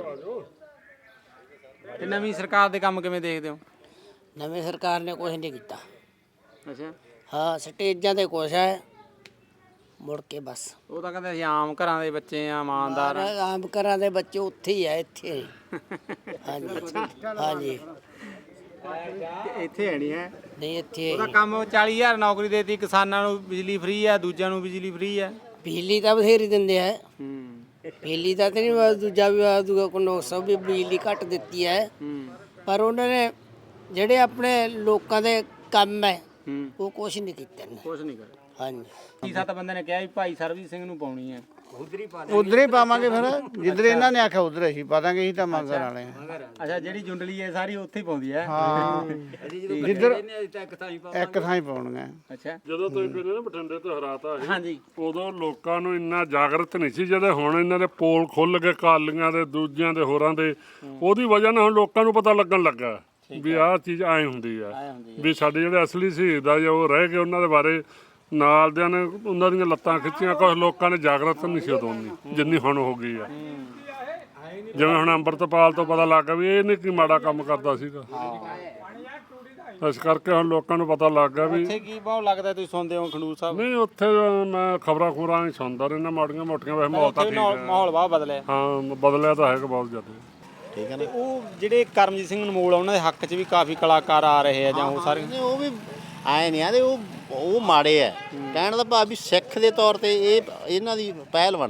Speaker 5: ਤੇ ਨਵੀਂ ਸਰਕਾਰ ਦੇ ਕੰਮ ਕਿਵੇਂ ਦੇਖਦੇ ਹੋ?
Speaker 10: ਨਵੀਂ ਸਰਕਾਰ ਨੇ ਕੁਝ ਨਹੀਂ ਕੀਤਾ।
Speaker 5: ਅੱਛਾ,
Speaker 10: ਹਾਂ, ਸਟੇਜਾਂ ਤੇ ਕੁਛ ਹੈ, ਮੁੜ ਕੇ ਬਸ
Speaker 5: ਉਹ ਤਾਂ ਕਹਿੰਦੇ ਅਸੀਂ ਆਮ ਘਰਾਂ ਦੇ ਬੱਚੇ ਆ, ਇਮਾਨਦਾਰ ਆ।
Speaker 10: ਆਮ ਘਰਾਂ ਦੇ ਬੱਚੇ ਉੱਥੇ ਹੀ ਆ, ਇੱਥੇ ਨਹੀਂ। ਹਾਂਜੀ ਹਾਂਜੀ,
Speaker 5: ਤੇ ਇੱਥੇ ਹੈ ਨਹੀਂ ਹੈ।
Speaker 10: ਨਹੀਂ ਇੱਥੇ
Speaker 5: ਉਹਦਾ ਕੰਮ ਚਾਲੀ ਹਜ਼ਾਰ ਨੌਕਰੀ ਦੇਤੀ, ਕਿਸਾਨਾਂ ਨੂੰ ਬਿਜਲੀ ਫ੍ਰੀ ਆ, ਦੂਜਿਆਂ ਨੂੰ ਬਿਜਲੀ ਫ੍ਰੀ ਆ।
Speaker 10: ਬਿਜਲੀ ਤਾਂ ਬਥੇਰੀ ਦਿੰਦੇ ਆ।
Speaker 5: ਹੂੰ,
Speaker 10: ਬਿਜਲੀ ਦਾ ਤੇ ਨਹੀਂ, ਦੂਜਾ ਵੀ ਦੂਜਾ ਕੋਈ ਸਭ ਵੀ ਬਿਜਲੀ ਘੱਟ ਦਿੱਤੀ ਹੈ,
Speaker 5: ਹੂੰ,
Speaker 10: ਪਰ ਉਹਨਾਂ ਨੇ ਜਿਹੜੇ ਆਪਣੇ ਲੋਕਾਂ ਦੇ ਕੰਮ ਹੈ
Speaker 5: ਹੂੰ,
Speaker 10: ਉਹ ਕੁਛ ਨਹੀਂ ਕੀਤੇ ਨੇ।
Speaker 5: ਕੁਛ ਨਹੀਂ ਕਰਿਆ।
Speaker 10: ਹਾਂਜੀ,
Speaker 5: ਕੀ ਸੱਤ ਬੰਦੇ ਨੇ ਕਿਹਾ ਵੀ ਭਾਈ ਸਰਬਜੀਤ ਸਿੰਘ ਨੂੰ ਪਾਉਣੀ ਹੈ।
Speaker 11: ਉਧਰ ਹੀ ਪਾਵਾਂਗੇ ਫਿਰ, ਜਿੱਧਰ ਇਹਨਾਂ ਨੇ ਆਖਿਆ ਉਧਰ ਹੀ ਪਾ ਦਾਂਗੇ। ਅਸੀਂ ਤਾਂ ਮੰਗ ਕਰਨ ਵਾਲੇ ਹਾਂ।
Speaker 5: ਅੱਛਾ, ਜਿਹੜੀ ਜੁੰਡਲੀ ਹੈ ਸਾਰੀ ਉੱਥੇ ਹੀ ਪਾਉਂਦੀ ਹੈ।
Speaker 11: ਹਾਂ, ਜਿੱਧਰ ਇੱਕ ਥਾਂ ਹੀ ਪਾਉਣਗੇ।
Speaker 5: ਅੱਛਾ,
Speaker 4: ਜਦੋਂ ਤੁਸੀਂ ਕਹਿੰਦੇ ਨਾ ਬਠਿੰਡੇ ਤੋਂ ਹਰਾਤਾ ਸੀ,
Speaker 5: ਹਾਂਜੀ,
Speaker 4: ਉਦੋਂ ਲੋਕਾਂ ਨੂੰ ਇੰਨਾ ਜਾਗਰਤ ਨਹੀਂ ਸੀ। ਜਦੋਂ ਹੁਣ ਇਹਨਾਂ ਦੇ ਪੋਲ ਖੁੱਲ ਗਏ ਕਾਲੀਆਂ ਦੇ, ਦੂਜਿਆਂ ਦੇ, ਹੋਰਾਂ ਦੇ, ਉਹਦੀ ਵਜ੍ਹਾ ਨਾਲ ਹੁਣ ਲੋਕਾਂ ਨੂੰ ਪਤਾ ਲੱਗਣ ਲੱਗਾ ਵੀ ਆਹ ਚੀਜ਼ ਐਂ ਹੁੰਦੀ ਆ, ਵੀ ਸਾਡੇ ਜਿਹੜੇ ਅਸਲੀ ਸ਼ਹੀਦ ਆ ਜਾਂ ਉਹ ਰਹਿ ਗਏ, ਉਹਨਾਂ ਦੇ ਬਾਰੇ ਨਾਲ ਦਿਆਂ ਨੇ ਉਹਨਾਂ ਦੀਆਂ ਲੱਤਾਂ ਖਿੱਚੀਆਂ। ਕੁਝ ਲੋਕਾਂ ਨੇ ਜਾਗਰਤ ਨਹੀਂ ਸੀ ਉਦੋਂ ਉਨੀ ਜਿੰਨੀ ਹੁਣ ਹੋ ਗਈ ਆ। ਜਿਵੇਂ ਹੁਣ ਅੰਮ੍ਰਿਤਪਾਲ ਤੋਂ ਪਤਾ ਲੱਗ ਗਿਆ ਵੀ ਇਹ ਨਹੀਂ ਕੀ ਮਾੜਾ ਕੰਮ ਕਰਦਾ ਸੀਗਾ, ਇਸ ਕਰਕੇ ਹੁਣ ਲੋਕਾਂ ਨੂੰ ਪਤਾ ਲੱਗ ਗਿਆ ਵੀ।
Speaker 5: ਉੱਥੇ ਕੀ ਬਹੁਤ ਲੱਗਦਾ ਤੁਸੀਂ ਸੁਣਦੇ ਹੋ ਖੰਡੂਰ ਸਾਹਿਬ?
Speaker 4: ਨਹੀਂ, ਉੱਥੇ ਮੈਂ ਖਬਰਾਂ ਖੂਰਾਂ ਹੀ ਸੁਣਦਾ ਰਹਿੰਦਾ, ਮਾੜੀਆਂ ਮੋਟੀਆਂ। ਵੈਸੇ ਮਾਹੌਲ ਤਾਂ ਠੀਕ ਹੈ,
Speaker 5: ਮਾਹੌਲ ਬਹੁਤ ਬਦਲਿਆ।
Speaker 4: ਹਾਂ ਬਦਲਿਆ ਤਾਂ ਹੈਗਾ ਬਹੁਤ ਜ਼ਿਆਦਾ।
Speaker 6: ਠੀਕ ਹੈ
Speaker 5: ਤੇ ਉਹ ਜਿਹੜੇ ਕਰਮਜੀਤ ਸਿੰਘ ਅਨਮੋਲ ਆ, ਉਹਨਾਂ ਦੇ ਹੱਕ 'ਚ ਵੀ ਕਾਫੀ ਕਲਾਕਾਰ ਆ ਰਹੇ ਆ, ਜਾਂ ਉਹ ਸਾਰੇ?
Speaker 6: ਨਾ ਉਹ ਵੀ ਆਏ ਨਹੀਂ ਆਦੇ, ਉਹ ਉਹ ਮਾੜੇ ਆ। ਕਹਿਣ ਦਾ ਭਾਵ ਵੀ ਸਿੱਖ ਦੇ ਤੌਰ ਤੇ ਇਹ ਇਹਨਾਂ ਦੀ ਪਹਿਲ ਬਣਦੀ ਹੈ।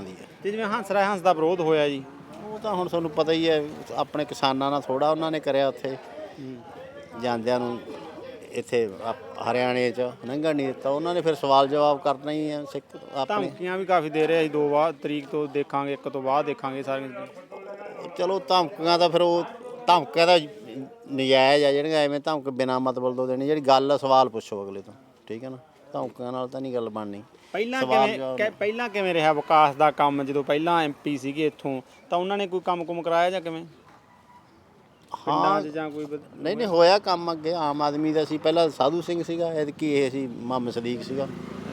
Speaker 5: ਤੇ ਜਿਵੇਂ ਹੰਸ ਰਾਜ ਹੰਸ ਦਾ ਵਿਰੋਧ ਹੋਇਆ ਜੀ,
Speaker 6: ਉਹ ਤਾਂ ਹੁਣ ਤੁਹਾਨੂੰ ਪਤਾ ਹੀ ਹੈ, ਆਪਣੇ ਕਿਸਾਨਾਂ ਨਾਲ ਥੋੜਾ ਉਹਨਾਂ ਨੇ ਕਰਿਆ ਉੱਥੇ ਜਾਂਦਿਆਂ ਨੂੰ ਇੱਥੇ ਆਪ- ਹਰਿਆਣੇ 'ਚ ਲੰਘਣ ਨਹੀਂ ਦਿੱਤਾ ਉਹਨਾਂ ਨੇ, ਫਿਰ ਸਵਾਲ ਜਵਾਬ ਕਰਨਾ ਹੀ ਹੈ ਸਿੱਖ ਆਪਣੇ।
Speaker 5: ਧਮਕੀਆਂ ਵੀ ਕਾਫੀ ਦੇ ਰਹੇ ਸੀ, ਦੋ ਬਾਅਦ ਤਰੀਕ ਤੋਂ ਦੇਖਾਂਗੇ, ਇੱਕ ਤੋਂ ਬਾਅਦ ਦੇਖਾਂਗੇ ਸਾਰੀਆਂ।
Speaker 6: ਚਲੋ ਧਮਕੀਆਂ ਤਾਂ ਫਿਰ ਉਹ ਧਮਕੀਆਂ ਦਾ ਨਜਾਇਜ਼ ਆ ਜਿਹੜੀਆਂ, ਐਵੇਂ ਧਮਕ ਬਿਨਾਂ ਮਤਲਬ ਤੋਂ ਦੇਣੀ, ਜਿਹੜੀ ਗੱਲ ਆ ਸਵਾਲ ਪੁੱਛੋ ਅਗਲੇ ਤੋਂ, ਠੀਕ ਹੈ ਨਾ, ਧਮਕੀਆਂ ਨਾਲ ਤਾਂ ਨਹੀਂ ਗੱਲ ਬਣਨੀ।
Speaker 5: ਪਹਿਲਾਂ ਕਿਵੇਂ ਕਿ- ਪਹਿਲਾਂ ਕਿਵੇਂ ਰਿਹਾ ਵਿਕਾਸ ਦਾ ਕੰਮ, ਜਦੋਂ ਪਹਿਲਾਂ ਐਮਪੀ ਸੀਗੇ ਇੱਥੋਂ, ਤਾਂ ਉਹਨਾਂ ਨੇ ਕੋਈ ਕੰਮ ਕੁਮ ਕਰਾਇਆ ਜਾਂ ਕਿਵੇਂ?
Speaker 6: ਹਾਂ
Speaker 5: ਜਾਂ ਕੋਈ ਵਧ-
Speaker 6: ਨਹੀਂ ਨਹੀਂ ਹੋਇਆ ਕੰਮ ਅੱਗੇ ਆਮ ਆਦਮੀ ਦਾ ਸੀ, ਪਹਿਲਾਂ ਸਾਧੂ ਸਿੰਘ ਸੀਗਾ, ਐਤਕੀ ਇਹ ਸੀ ਮੁਹੰਮਦ ਸਦੀਕ ਸੀਗਾ।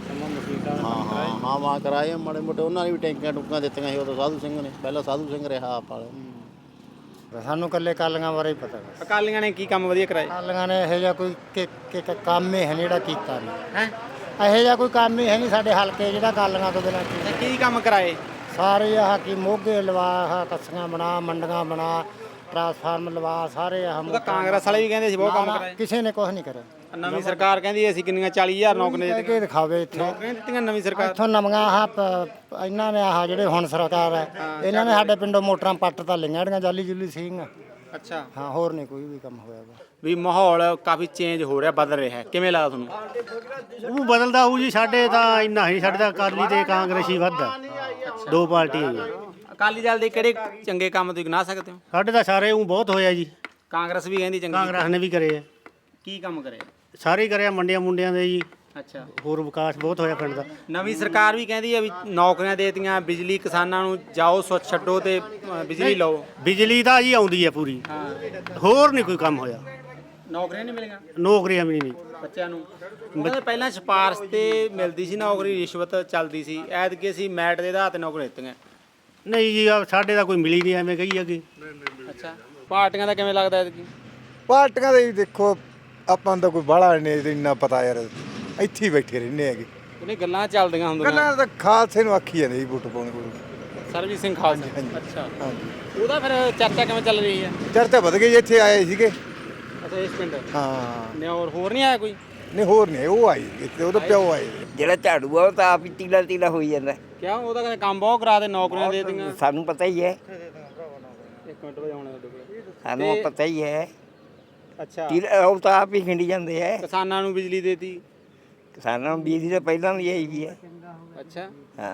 Speaker 6: ਹਾਂ ਹਾਂ ਹਾਂ ਵਾਂ ਕਰਾਏ ਮਾੜੇ ਮੋਟੇ, ਉਹਨਾਂ ਨੇ ਵੀ ਟੈਂਕੀਆਂ ਟੁੱਕਾਂ ਦਿੱਤੀਆਂ ਸੀ ਉਦੋਂ ਸਾਧੂ ਸਿੰਘ ਨੇ, ਪਹਿਲਾਂ ਸਾਧੂ ਸਿੰਘ ਰਿਹਾ ਆਪ ਵਾਲੇ।
Speaker 11: ਸਾਨੂੰ ਕੱਲੇ ਕਾਲੀਆਂ ਬਾਰੇ ਹੀ ਪਤਾ ਬਸ।
Speaker 5: ਅਕਾਲੀਆਂ ਨੇ ਕੀ ਕੰਮ ਵਧੀਆ ਕਰਾਏ?
Speaker 11: ਕਾਲੀਆਂ ਨੇ ਇਹੋ ਜਿਹਾ ਕੋਈ ਕਿ- ਕਿ- ਕਿ ਕੰਮ ਹੀ ਹੈ ਨੀ ਜਿਹੜਾ ਕੀਤਾ ਨਹੀਂ ਹੈ, ਇਹੋ ਜਿਹਾ ਕੋਈ ਕੰਮ ਹੀ ਹੈ ਨਹੀਂ ਸਾਡੇ ਹਲਕੇ ਜਿਹੜਾ ਕਾਲੀਆਂ ਤੋਂ ਬਿਨਾਂ ਕੀਤਾ।
Speaker 5: ਕੀ ਕੰਮ ਕਰਾਏ?
Speaker 11: ਸਾਰੇ ਆਹ ਕੀ ਮੋਗੇ ਲਵਾ, ਆਹ ਕੱਸੀਆਂ ਬਣਾ, ਮੰਡੀਆਂ ਬਣਾ, ਟਰਾਂਸਫਾਰਮ ਲਵਾ, ਸਾਰੇ ਆਹ
Speaker 5: ਉਹ ਤਾਂ ਕਾਂਗਰਸ ਵਾਲੇ ਵੀ ਕਹਿੰਦੇ ਸੀ ਬਹੁਤ ਕੰਮ ਕਰਾਏ।
Speaker 11: ਕਿਸੇ ਨੇ ਕੁਝ ਨਹੀਂ ਕਰਿਆ।
Speaker 5: ਨਵੀਂ ਸਰਕਾਰ ਕਹਿੰਦੀ ਅਸੀਂ ਕਿੰਨੀਆਂ ਚਾਲੀ ਹਜ਼ਾਰ ਨੌਕਰੀਆਂ
Speaker 11: ਕਹਿ ਕੇ ਦਿਖਾਵੇ ਇੱਥੇ,
Speaker 5: ਨੌਕਰੀਆਂ ਦਿੱਤੀਆਂ ਨਵੀਂ ਸਰਕਾਰ।
Speaker 11: ਇੱਥੋਂ ਨਵੀਆਂ ਆਹ ਪ- ਇਹਨਾਂ ਨੇ ਆਹ ਜਿਹੜੇ ਹੁਣ ਸਰਕਾਰ ਹੈ, ਇਹਨਾਂ ਨੇ ਸਾਡੇ ਪਿੰਡੋਂ ਮੋਟਰਾਂ ਪੱਟ ਤਾਂ ਲਈਆਂ ਜਿਹੜੀਆਂ ਜਾਲੀ ਜੁਲੀ ਸੀਗੀਆਂ।
Speaker 5: ਅੱਛਾ,
Speaker 11: ਹਾਂ ਹੋਰ ਨਹੀਂ ਕੋਈ ਵੀ ਕੰਮ ਹੋਇਆ ਵਾ।
Speaker 5: ਵੀ ਮਾਹੌਲ ਕਾਫੀ ਚੇਂਜ ਹੋ ਰਿਹਾ, ਬਦਲ ਰਿਹਾ, ਕਿਵੇਂ ਲੱਗਦਾ ਤੁਹਾਨੂੰ?
Speaker 7: ਉਹ ਬਦਲਦਾ ਹੋਊ ਜੀ, ਸਾਡੇ ਤਾਂ ਇੰਨਾ ਹੀ, ਸਾਡੇ ਤਾਂ ਅਕਾਲੀ ਤੇ ਕਾਂਗਰਸੀ ਵੱਧ ਹੈ, ਦੋ ਪਾਰਟੀਆਂ ਜੀ।
Speaker 5: ਅਕਾਲੀ ਦਲ ਦੇ ਕਿਹੜੇ ਚੰਗੇ ਕੰਮ ਤੁਸੀਂ ਗਿਣਾ ਸਕਦੇ ਹੋ?
Speaker 7: ਸਾਡੇ ਤਾਂ ਸਾਰੇ ਉਹ ਬਹੁਤ ਹੋਇਆ ਜੀ,
Speaker 5: ਕਾਂਗਰਸ ਵੀ ਕਹਿੰਦੀ ਚੰਗੀ।
Speaker 7: ਕਾਂਗਰਸ ਨੇ ਵੀ ਕਰੇ ਆ,
Speaker 5: ਕੀ ਕੰਮ ਕਰੇ?
Speaker 7: ਸਾਰੇ ਹੀ ਕਰਿਆ, ਮੰਡੀਆਂ ਮੁੰਡਿਆਂ ਦੇ ਜੀ,
Speaker 5: ਅੱਛਾ।
Speaker 7: ਹੋਰ ਵਿਕਾਸ ਬਹੁਤ ਹੋਇਆ ਪਿੰਡ ਦਾ।
Speaker 5: ਨਵੀਂ ਸਰਕਾਰ ਵੀ ਕਹਿੰਦੀ ਹੈ ਵੀ ਨੌਕਰੀਆਂ ਦੇਤੀਆਂ, ਬਿਜਲੀ ਕਿਸਾਨਾਂ ਨੂੰ ਜਾਓ ਸੁੱਚ ਛੱਡੋ ਤੇ ਅ, ਬਿਜਲੀ ਲਓ।
Speaker 7: ਬਿਜਲੀ ਤਾਂ ਜੀ ਆਉਂਦੀ ਹੈ ਪੂਰੀ, ਹੋਰ ਨਹੀਂ ਕੋਈ ਕੰਮ ਹੋਇਆ।
Speaker 5: ਨੌਕਰੀਆਂ ਨਹੀਂ ਮਿਲੀਆਂ
Speaker 7: ਨੌਕਰੀਆਂ ਵੀ ਨਹੀਂ।
Speaker 5: ਬੱਚਿਆਂ ਨੂੰ? ਕਹਿੰਦੇ ਪਹਿਲਾਂ ਸਿਫਾਰਸ਼ ਤੇ ਮਿਲਦੀ ਸੀ ਨੌਕਰੀ, ਰਿਸ਼ਵਤ ਚੱਲਦੀ ਸੀ, ਐਤਕੀ ਅਸੀਂ ਮੈਟ ਦੇ ਆਧਾਰ ਤੇ ਨੌਕਰੀ ਦਿੱਤੀਆਂ।
Speaker 7: ਨਹੀਂ ਜੀ ਆਹ ਸਾਡੇ ਤਾਂ ਕੋਈ ਮਿਲੀ ਨਹੀਂ, ਐਵੇਂ ਕਹੀ ਅੱਗੇ।
Speaker 5: ਅੱਛਾ, ਪਾਰਟੀਆਂ ਦਾ ਕਿਵੇਂ ਲੱਗਦਾ ਐਤਕੀ?
Speaker 12: ਪਾਰਟੀਆਂ ਦੇ ਦੇਖੋ ਆਪਾਂ ਨੂੰ ਤਾਂ ਕੋਈ ਬਾਹਲਾ ਨਹੀਂ ਇੰਨਾ ਪਤਾ ਯਾਰ, ਇੱਥੇ ਹੀ ਬੈਠੇ ਰਹਿੰਦੇ ਹੈਗੇ।
Speaker 5: ਉਹਨੇ ਗੱਲਾਂ ਚੱਲਦੀਆਂ ਹੁੰਦੀਆਂ।
Speaker 12: ਗੱਲਾਂ ਤਾਂ ਖਾਲਸੇ ਨੂੰ ਆਖੀ ਜਾਂਦੇ ਜੀ ਵੋਟ ਪਾਉਣ ਕੋਲ।
Speaker 5: ਸਰਬਜੀਤ ਸਿੰਘ ਖਾਲਸਾ। ਅੱਛਾ, ਉਹਦਾ ਫਿਰ ਚਰਚਾ ਕਿਵੇਂ ਚੱਲ ਰਹੀ ਹੈ?
Speaker 12: ਚਰਚਾ ਵਧ ਗਈ, ਇੱਥੇ ਆਏ ਸੀਗੇ।
Speaker 5: ਅੱਛਾ, ਇਸ ਪਿੰਡ
Speaker 12: ਹਾਂ
Speaker 5: ਨੇ ਹੋਰ ਹੋਰ ਨਹੀਂ ਆਇਆ ਕੋਈ?
Speaker 12: ਨਹੀਂ ਹੋਰ ਨਹੀਂ, ਉਹ ਆਈ ਇੱਥੇ, ਉਹਦਾ ਪਿਓ ਆਏ।
Speaker 13: ਜਿਹੜਾ ਝਾੜੂ ਆ ਉਹ ਤਾਂ ਆਪ ਹੀ ਤੀਲਾ ਤੀਲਾ ਹੋਈ ਜਾਂਦਾ।
Speaker 5: ਕਿਉਂ? ਉਹਦਾ ਕਹਿੰਦੇ ਕੰਮ ਬਹੁਤ ਕਰਾ ਦੇ, ਨੌਕਰੀਆਂ ਦੇ ਦਿੱਤੀਆਂ।
Speaker 13: ਸਾਨੂੰ ਪਤਾ ਹੀ ਹੈ,
Speaker 5: ਇੱਕ ਮਿੰਟ ਵਜਾਉਣਾ ਤੁਹਾਡੇ ਕੋਲ।
Speaker 13: ਸਾਨੂੰ ਪਤਾ ਹੀ ਹੈ।
Speaker 5: ਅੱਛਾ,
Speaker 13: ਤੀਲਾ ਉਹ ਤਾਂ ਆਪ ਹੀ ਖਿੰਡੀ ਜਾਂਦੇ ਹੈ।
Speaker 5: ਕਿਸਾਨਾਂ ਨੂੰ ਬਿਜਲੀ ਦੇਤੀ।
Speaker 13: ਕਿਸਾਨਾਂ ਨੂੰ ਬਿਜਲੀ ਤਾਂ ਪਹਿਲਾਂ ਵੀ ਆਈ ਵੀ ਹੈ।
Speaker 5: ਅੱਛਾ
Speaker 13: ਹਾਂ,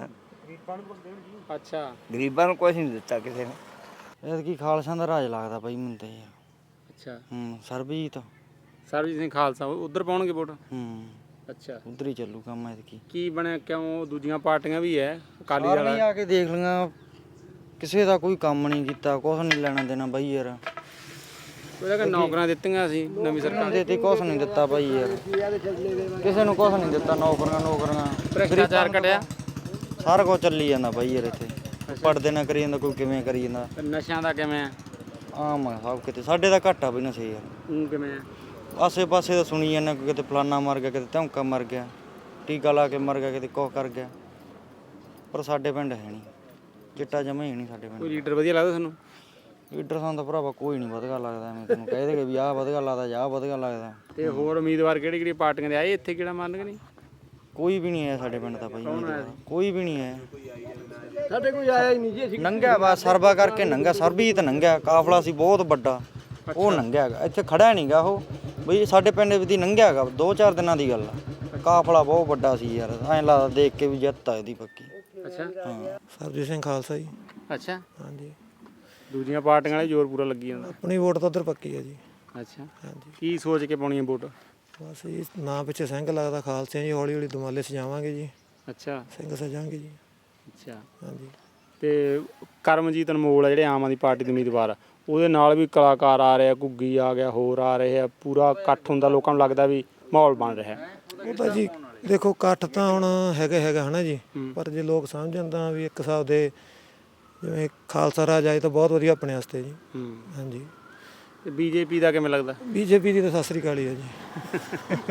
Speaker 5: ਅੱਛਾ,
Speaker 13: ਗਰੀਬਾਂ ਨੂੰ ਕੁਝ ਨਹੀਂ ਦਿੱਤਾ ਕਿਸੇ ਨੇ।
Speaker 11: ਐਤਕੀ ਖਾਲਸਾ ਦਾ ਰਾਜ ਲੱਗਦਾ ਬਾਈ ਮੈਨੂੰ ਤਾਂ ਯਾਰ।
Speaker 5: ਅੱਛਾ,
Speaker 11: ਹੂੰ ਸਰਬਜੀਤ
Speaker 5: ਸਰਬਜੀਤ ਸਿੰਘ ਖਾਲਸਾ ਉਧਰ ਪਾਉਣਗੇ ਵੋਟ?
Speaker 11: ਹੂੰ
Speaker 5: ਅੱਛਾ,
Speaker 11: ਉਧਰ ਹੀ ਚੱਲੂ ਕੰਮ ਐਤਕੀ।
Speaker 5: ਕੀ ਬਣਿਆ? ਕਿਉਂ? ਦੂਜੀਆਂ ਪਾਰਟੀਆਂ ਵੀ ਹੈ, ਅਕਾਲੀ ਦਲ
Speaker 11: ਸਾਰੀਆਂ ਆ ਕੇ ਦੇਖ ਲਈਆਂ, ਕਿਸੇ ਦਾ ਕੋਈ ਕੰਮ ਨਹੀਂ ਕੀਤਾ, ਕੁਛ ਨਹੀਂ ਲੈਣਾ ਦੇਣਾ ਬਾਈ ਯਾਰ।
Speaker 5: ਉਹਦਾ ਕਿ ਨੌਕਰੀਆਂ ਦਿੱਤੀਆਂ ਸੀ ਨਵੀਂ ਸਰਕਾਰ
Speaker 11: ਦੇ ਤੇ ਕੁਛ ਨਹੀਂ ਦਿੱਤਾ ਬਾਈ ਯਾਰ, ਕਿਸੇ ਨੂੰ ਕੁਛ ਨਹੀਂ ਦਿੱਤਾ। ਨੌਕਰੀਆਂ ਨੌਕਰੀਆਂ
Speaker 5: ਭ੍ਰਿਸ਼ਟਾਚਾਰ ਘਟਿਆ,
Speaker 11: ਸਾਰਾ ਕੁਝ ਚੱਲੀ ਜਾਂਦਾ ਬਾਈ ਯਾਰ ਇੱਥੇ। ਪੜਦੇ ਨਾ ਕਰੀ ਜਾਂਦਾ, ਕੋਈ ਕਿਵੇਂ ਕਰੀ ਜਾਂਦਾ।
Speaker 5: ਨਸ਼ਿਆਂ ਦਾ ਕਿਵੇਂ ਆ?
Speaker 11: ਆਮ ਆ ਸਭ ਕਿਤੇ, ਸਾਡੇ ਦਾ ਘੱਟ ਆ ਬਈ ਨਸ਼ੇ ਯਾਰ।
Speaker 5: ਉਹ ਕਿਵੇਂ ਆ?
Speaker 11: ਆਸੇ ਪਾਸੇ ਤਾਂ ਸੁਣੀ ਜਾਂਦਾ, ਕੋਈ ਕਿਤੇ ਫਲਾਨਾ ਮਰ ਗਿਆ, ਕਿਤੇ ਧੌਂਕਾ ਮਰ ਗਿਆ, ਟੀਕਾ ਲਾ ਕੇ ਮਰ ਗਿਆ, ਕਿਤੇ ਕੁਛ ਕਰ ਗਿਆ। ਪਰ ਸਾਡੇ ਪਿੰਡ ਹੈ ਨਹੀਂ, ਚਿੱਟਾ ਜਮਾ ਹੀ ਨਹੀਂ ਸਾਡੇ
Speaker 5: ਕੋਈ
Speaker 11: ਪਿੰਡ।
Speaker 5: ਲੀਡਰ ਵਧੀਆ ਲੱਗਦਾ ਤੁਹਾਨੂੰ?
Speaker 11: ਲੀਡਰ ਸਾਨੂੰ ਤਾਂ ਭਰਾਵਾ ਕੋਈ ਨਹੀਂ ਵਧਗਾ ਲੱਗਦਾ, ਐਵੇਂ ਤੈਨੂੰ ਕਹਿ ਦੇਗੇ ਵੀ ਆਹ ਵਧਗਾ ਲੱਗਦਾ ਜਾਂ ਆਹ ਵਧਗਾ ਲੱਗਦਾ।
Speaker 5: ਤੇ ਹੋਰ ਉਮੀਦਵਾਰ ਕਿਹੜੀ ਕਿਹੜੀ ਪਾਰਟੀਆਂ ਦੇ ਆਏ ਇੱਥੇ, ਕਿਹੜਾ ਮੰਨਗੇ ਨਹੀਂ?
Speaker 11: ਕੋਈ ਵੀ ਨਹੀਂ ਆਇਆ ਸਾਡੇ ਪਿੰਡ ਦਾ ਬਾਈ, ਕੋਈ ਵੀ ਨਹੀਂ ਆਇਆ ਸਾਡੇ। ਕੋਈ ਆਇਆ ਹੀ ਨਹੀਂ ਜੀ। ਅਸੀਂ ਨੰਗਾ ਬਸ ਸਰਵਾ ਕਰਕੇ ਨੰਗਾ, ਸਰਬਜੀਤ ਨੰਗਾ, ਕਾਫਲਾ ਸੀ ਬਹੁਤ ਵੱਡਾ, ਉਹ ਨੰਗਿਆ ਹੈਗਾ, ਇੱਥੇ ਖੜਾ ਨਹੀਂਗਾ ਉਹ ਬਈ। ਸਾਡੇ ਪਿੰਡ ਦੀ ਨੰਗਿਆ ਹੈਗਾ, ਦੋ ਚਾਰ ਦਿਨਾਂ ਦੀ ਗੱਲ ਆ। ਕਾਫਲਾ ਬਹੁਤ ਵੱਡਾ ਸੀ ਯਾਰ, ਐਂ ਲੱਗਦਾ ਦੇਖ ਕੇ ਵੀ ਜਿੱਤ ਆ ਇਹਦੀ ਪੱਕੀ।
Speaker 5: ਅੱਛਾ,
Speaker 2: ਹਾਂ ਸਰਬਜੀਤ ਸਿੰਘ ਖਾਲਸਾ ਜੀ।
Speaker 5: ਅੱਛਾ,
Speaker 2: ਹਾਂਜੀ।
Speaker 5: ਦੂਜੀਆਂ ਪਾਰਟੀਆਂ ਵਾਲੇ ਜ਼ੋਰ ਪੂਰਾ ਲੱਗੀ ਜਾਂਦਾ।
Speaker 2: ਆਪਣੀ ਵੋਟ ਤਾਂ ਉਧਰ ਪੱਕੀ ਹੈ ਜੀ।
Speaker 5: ਅੱਛਾ,
Speaker 2: ਹਾਂਜੀ।
Speaker 5: ਕੀ ਸੋਚ ਕੇ ਪਾਉਣੀ ਹੈ ਵੋਟ?
Speaker 2: ਬਸ ਜੀ ਨਾਂ ਪਿੱਛੇ ਸਿੰਘ ਲੱਗਦਾ ਖਾਲਸੇ ਜੀ, ਹੌਲੀ ਹੌਲੀ ਦੁਮਾਲੇ ਸਜਾਵਾਂਗੇ ਜੀ।
Speaker 5: ਅੱਛਾ,
Speaker 2: ਸਿੰਘ ਸਜਾਵਾਂਗੇ ਜੀ।
Speaker 5: ਅੱਛਾ,
Speaker 2: ਹਾਂਜੀ।
Speaker 5: ਤੇ ਕਰਮਜੀਤ ਅਨਮੋਲ ਆ ਜਿਹੜੇ ਆਮ ਆਦਮੀ ਪਾਰਟੀ ਦੇ ਉਮੀਦਵਾਰ, ਉਹਦੇ ਨਾਲ ਵੀ ਕਲਾਕਾਰ ਆ ਰਹੇ ਆ, ਘੁੱਗੀ ਆ ਗਿਆ, ਹੋਰ ਆ ਰਹੇ ਆ, ਪੂਰਾ ਇਕੱਠ ਹੁੰਦਾ, ਲੋਕਾਂ ਨੂੰ ਲੱਗਦਾ ਵੀ ਮਾਹੌਲ ਬਣ ਰਿਹਾ।
Speaker 2: ਉਹ ਤਾਂ ਜੀ ਦੇਖੋ ਇਕੱਠ ਤਾਂ ਹੁਣ ਹੈਗਾ ਹੈਗਾ ਹੈ ਨਾ ਜੀ, ਪਰ ਜੇ ਲੋਕ ਸਮਝਣ ਤਾਂ ਵੀ ਇੱਕ ਹਿਸਾਬ ਦੇ ਜਿਵੇਂ ਖਾਲਸਾ ਰਾਜ ਆਏ ਤਾਂ ਬਹੁਤ ਵਧੀਆ ਆਪਣੇ ਵਾਸਤੇ ਜੀ। ਹਾਂਜੀ।
Speaker 5: ਤੇ ਬੀਜੇਪੀ ਦਾ ਕਿਵੇਂ ਲੱਗਦਾ?
Speaker 2: ਬੀਜੇਪੀ ਦੀ ਤਾਂ ਸਤਿ ਸ੍ਰੀ ਅਕਾਲ ਹੀ ਆ ਜੀ।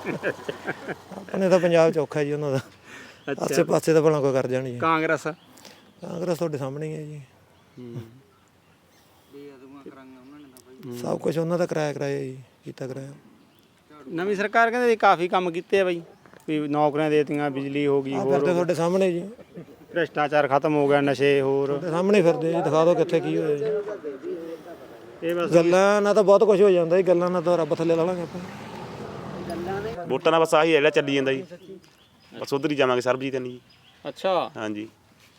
Speaker 2: ਆਪਣੇ ਤਾਂ ਪੰਜਾਬ ਚ ਔਖਾ ਜੀ ਉਹਨਾਂ ਦਾ, ਆਸੇ ਪਾਸੇ ਤਾਂ ਭਲਾ ਕੋਈ ਕਰ ਜਾਣੀ ਜੀ।
Speaker 5: ਕਾਂਗਰਸ?
Speaker 2: ਕਾਂਗਰਸ ਤੁਹਾਡੇ ਸਾਹਮਣੇ ਹੀ ਹੈ ਜੀ। ਸਭ ਕੁਝ ਉਹਨਾਂ ਦਾ ਕਰਾਇਆ ਕਰਾਇਆ ਜੀ, ਕੀਤਾ ਕਰਾਇਆ।
Speaker 5: ਨਵੀਂ ਸਰਕਾਰ ਕਹਿੰਦੇ ਕਾਫੀ ਕੰਮ ਕੀਤੇ ਆ ਬਾਈ, ਵੀ ਨੌਕਰੀਆਂ ਦੇਤੀਆਂ, ਬਿਜਲੀ ਹੋ ਗਈ, ਹੋਰ
Speaker 2: ਤੁਹਾਡੇ ਸਾਹਮਣੇ ਜੀ।
Speaker 5: ਭ੍ਰਿਸ਼ਟਾਚਾਰ ਖਤਮ ਹੋ ਗਿਆ, ਨਸ਼ੇ ਹੋਰ
Speaker 2: ਤੁਹਾਡੇ ਸਾਹਮਣੇ ਫਿਰਦੇ ਜੀ, ਦਿਖਾ ਦਿਓ ਕਿੱਥੇ ਕੀ ਹੋਇਆ ਜੀ।
Speaker 5: ਇਹ ਬਸ
Speaker 2: ਗੱਲਾਂ ਨਾਲ ਤਾਂ ਬਹੁਤ ਕੁਝ ਹੋ ਜਾਂਦਾ ਜੀ, ਗੱਲਾਂ ਨਾਲ ਤਾਂ ਰੱਬ ਥੱਲੇ ਲਾ ਲਾਂਗੇ ਆਪਾਂ।
Speaker 3: ਵੋਟਾਂ ਦਾ ਬਸ ਆਹੀ ਹੈ ਜਿਹੜਾ ਚੱਲੀ ਜਾਂਦਾ ਜੀ, ਬਸ ਉਧਰ ਹੀ ਜਾਵਾਂਗੇ ਸਰਬਜੀਤ ਨਹੀਂ ਜੀ।
Speaker 5: ਅੱਛਾ
Speaker 3: ਹਾਂਜੀ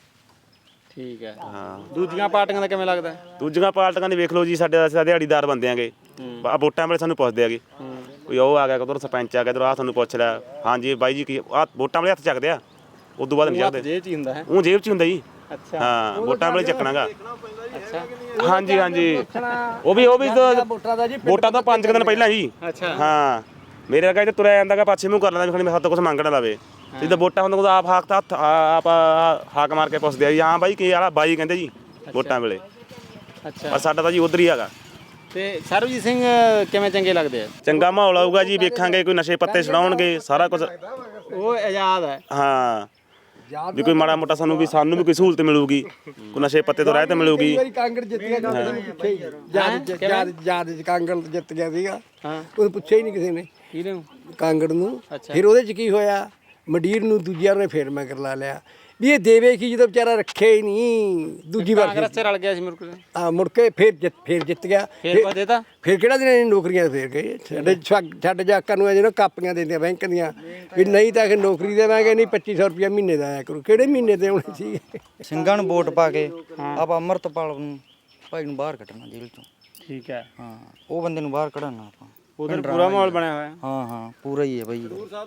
Speaker 5: ਠੀਕ ਹੈ।
Speaker 3: ਹਾਂ
Speaker 5: ਦੂਜੀਆਂ ਪਾਰਟੀਆਂ ਦਾ ਕਿਵੇਂ ਲੱਗਦਾ?
Speaker 3: ਦੂਜੀਆਂ ਪਾਰਟੀਆਂ ਦੀ ਵੇਖ ਲਓ ਜੀ, ਸਾਡੇ ਅਸੀਂ ਦਿਹਾੜੀਦਾਰ ਬੰਦੇ ਆਂਗੇ, ਆ ਵੋਟਾਂ ਵੇਲੇ ਸਾਨੂੰ ਪੁੱਛਦੇ ਆਗੇ, ਕੋਈ ਉਹ ਆ ਗਿਆ, ਕਦੋਂ ਸਰਪੰਚ ਆ ਗਿਆ, ਇੱਧਰ ਆ ਤੁਹਾਨੂੰ ਪੁੱਛ ਲਿਆ, ਹਾਂਜੀ ਬਾਈ ਜੀ ਕੀ ਆ ਵੋਟਾਂ ਵੇਲੇ ਹੱਥ ਚੱਕਦੇ ਆ, ਉਦੋਂ ਬਾਅਦ ਨਹੀਂ ਚੱਕਦੇ।
Speaker 5: ਜੇਬ 'ਚ ਹੀ ਹੁੰਦਾ ਹੈ।
Speaker 3: ਉਹ ਜੇਬ 'ਚ ਹੁੰਦਾ ਜੀ।
Speaker 5: ਅੱਛਾ
Speaker 3: ਹਾਂ ਵੋਟਾਂ ਵੇਲੇ ਚੱਕਣਾਗਾ।
Speaker 5: ਅੱਛਾ
Speaker 3: ਹਾਂਜੀ ਹਾਂਜੀ ਉਹ ਵੀ ਉਹ ਵੀ ਵੋਟਾਂ ਤੋਂ ਪੰਜ ਕੁ ਦਿਨ ਪਹਿਲਾਂ ਜੀ।
Speaker 5: ਅੱਛਾ
Speaker 3: ਹਾਂ ਮੇਰੇ ਵਰਗਾ ਇੱਥੇ ਤੁਰਿਆ ਜਾਂਦਾਗਾ, ਪਾਛੇ ਮੂੰਹ ਕਰ ਲੈਂਦਾ ਵੀ ਖਣੀ ਮੇਰੇ ਹੱਥ ਤੋਂ ਕੁਛ ਮੰਗ ਨਾ ਲਵੇ। ਜਿੱਦਾਂ ਵੋਟਾਂ ਹੁੰਦਾ ਉਦੋਂ ਆਪ ਹਾਕ ਤਾਂ ਹੱਥ ਆਪ ਹਾਕ ਮਾਰ ਕੇ ਪੁੱਛਦੇ ਆ ਜੀ, ਹਾਂ ਬਾਈ ਕੀ ਵਾਲਾ ਬਾਈ ਕਹਿੰਦੇ ਜੀ ਵੋਟਾਂ ਵੇਲੇ।
Speaker 5: ਅੱਛਾ
Speaker 3: ਪਰ ਸਾਡਾ ਤਾਂ ਜੀ ਉਧਰ ਹੀ ਹੈਗਾ।
Speaker 5: ਤੇ ਸਰਬਜੀਤ ਸਿੰਘ ਕਿਵੇਂ ਚੰਗੇ ਲੱਗਦੇ ਆ?
Speaker 3: ਚੰਗਾ ਮਾਹੌਲ ਆਊਗਾ ਜੀ, ਵੇਖਾਂਗੇ ਕੋਈ ਨਸ਼ੇ ਪੱਤੇ ਛਡਾਉਣਗੇ ਸਾਰਾ ਕੁਝ।
Speaker 5: ਉਹ ਆਜ਼ਾਦ ਹੈ।
Speaker 3: ਹਾਂ ਵੀ ਕੋਈ ਮਾੜਾ ਮੋਟਾ ਸਾਨੂੰ ਵੀ ਸਾਨੂੰ ਵੀ ਕੋਈ ਸਹੂਲਤ ਮਿਲੂਗੀ, ਕੋਈ ਨਸ਼ੇ ਪੱਤੇ ਤੋਂ ਰਹਿਤ ਮਿਲੂਗੀ।
Speaker 9: ਕਾਂਗੜ ਜਿੱਤ ਗਿਆ ਪੁੱਛੇ ਹੀ ਜਦ ਜਦ ਜਦ ਕਾਂਗੜ ਜਿੱਤ ਗਿਆ ਸੀਗਾ, ਉਹ ਪੁੱਛਿਆ ਹੀ ਨਹੀਂ ਕਿਸੇ ਨੇ
Speaker 5: ਕਿਹਨੂੰ?
Speaker 9: ਕਾਂਗੜ ਨੂੰ। ਫਿਰ ਉਹਦੇ ਚ ਕੀ ਹੋਇਆ, ਮੰਡੀਰ ਨੂੰ ਦੂਜਿਆਂ ਨੇ ਫੇਰ ਮੈਂ ਕਰ ਲਾ ਲਿਆ ਵੀ ਇਹ ਦੇਵੇ ਕੀ, ਜਦੋਂ ਵਿਚਾਰਾ ਰੱਖਿਆ ਹੀ ਨਹੀਂ ਦੂਜੀ ਵਾਰ।
Speaker 5: ਕਾਂਗਰਸ 'ਚ ਰਲ ਗਿਆ ਸੀ ਮੁਰਕ
Speaker 9: ਆ ਮੁੜ ਕੇ ਫੇਰ ਜਿੱਤ ਫੇਰ ਜਿੱਤ ਗਿਆ।
Speaker 5: ਫੇਰ ਪਾ ਦੇਤਾ।
Speaker 9: ਫੇਰ ਕਿਹੜਾ ਦਿਨ ਨੌਕਰੀਆਂ ਫੇਰ ਗਏ ਸਾਡੇ ਸਾਡੇ ਜਾਕਾਂ ਨੂੰ ਜਿਹਨਾਂ ਕਾਪੀਆਂ ਦਿੰਦੀਆਂ ਬੈਂਕ ਦੀਆਂ ਵੀ ਨਹੀਂ ਤਾਂ ਕਿ ਨੌਕਰੀ ਦੇਵਾਂਗੇ, ਨਹੀਂ ਪੱਚੀ ਸੌ ਰੁਪਇਆ ਮਹੀਨੇ ਦਾ ਆਇਆ ਕਰੂ। ਕਿਹੜੇ ਮਹੀਨੇ ਦੇ ਆਉਣੇ ਸੀ?
Speaker 11: ਸਿੰਘਾਂ ਨੂੰ ਵੋਟ ਪਾ ਕੇ ਆਪਾਂ ਅੰਮ੍ਰਿਤਪਾਲ ਨੂੰ ਭਾਈ ਨੂੰ ਬਾਹਰ ਕੱਢਣਾ ਜੇਲ੍ਹ ਚੋਂ।
Speaker 5: ਠੀਕ ਹੈ।
Speaker 11: ਹਾਂ ਉਹ ਬੰਦੇ ਨੂੰ ਬਾਹਰ ਕਢਾਉਣਾ ਆਪਾਂ।
Speaker 5: ਉਧਰ ਪੂਰਾ ਮਾਹੌਲ ਬਣਿਆ ਹੋਇਆ।
Speaker 11: ਹਾਂ ਹਾਂ ਪੂਰਾ ਹੀ ਹੈ ਬਾਈ,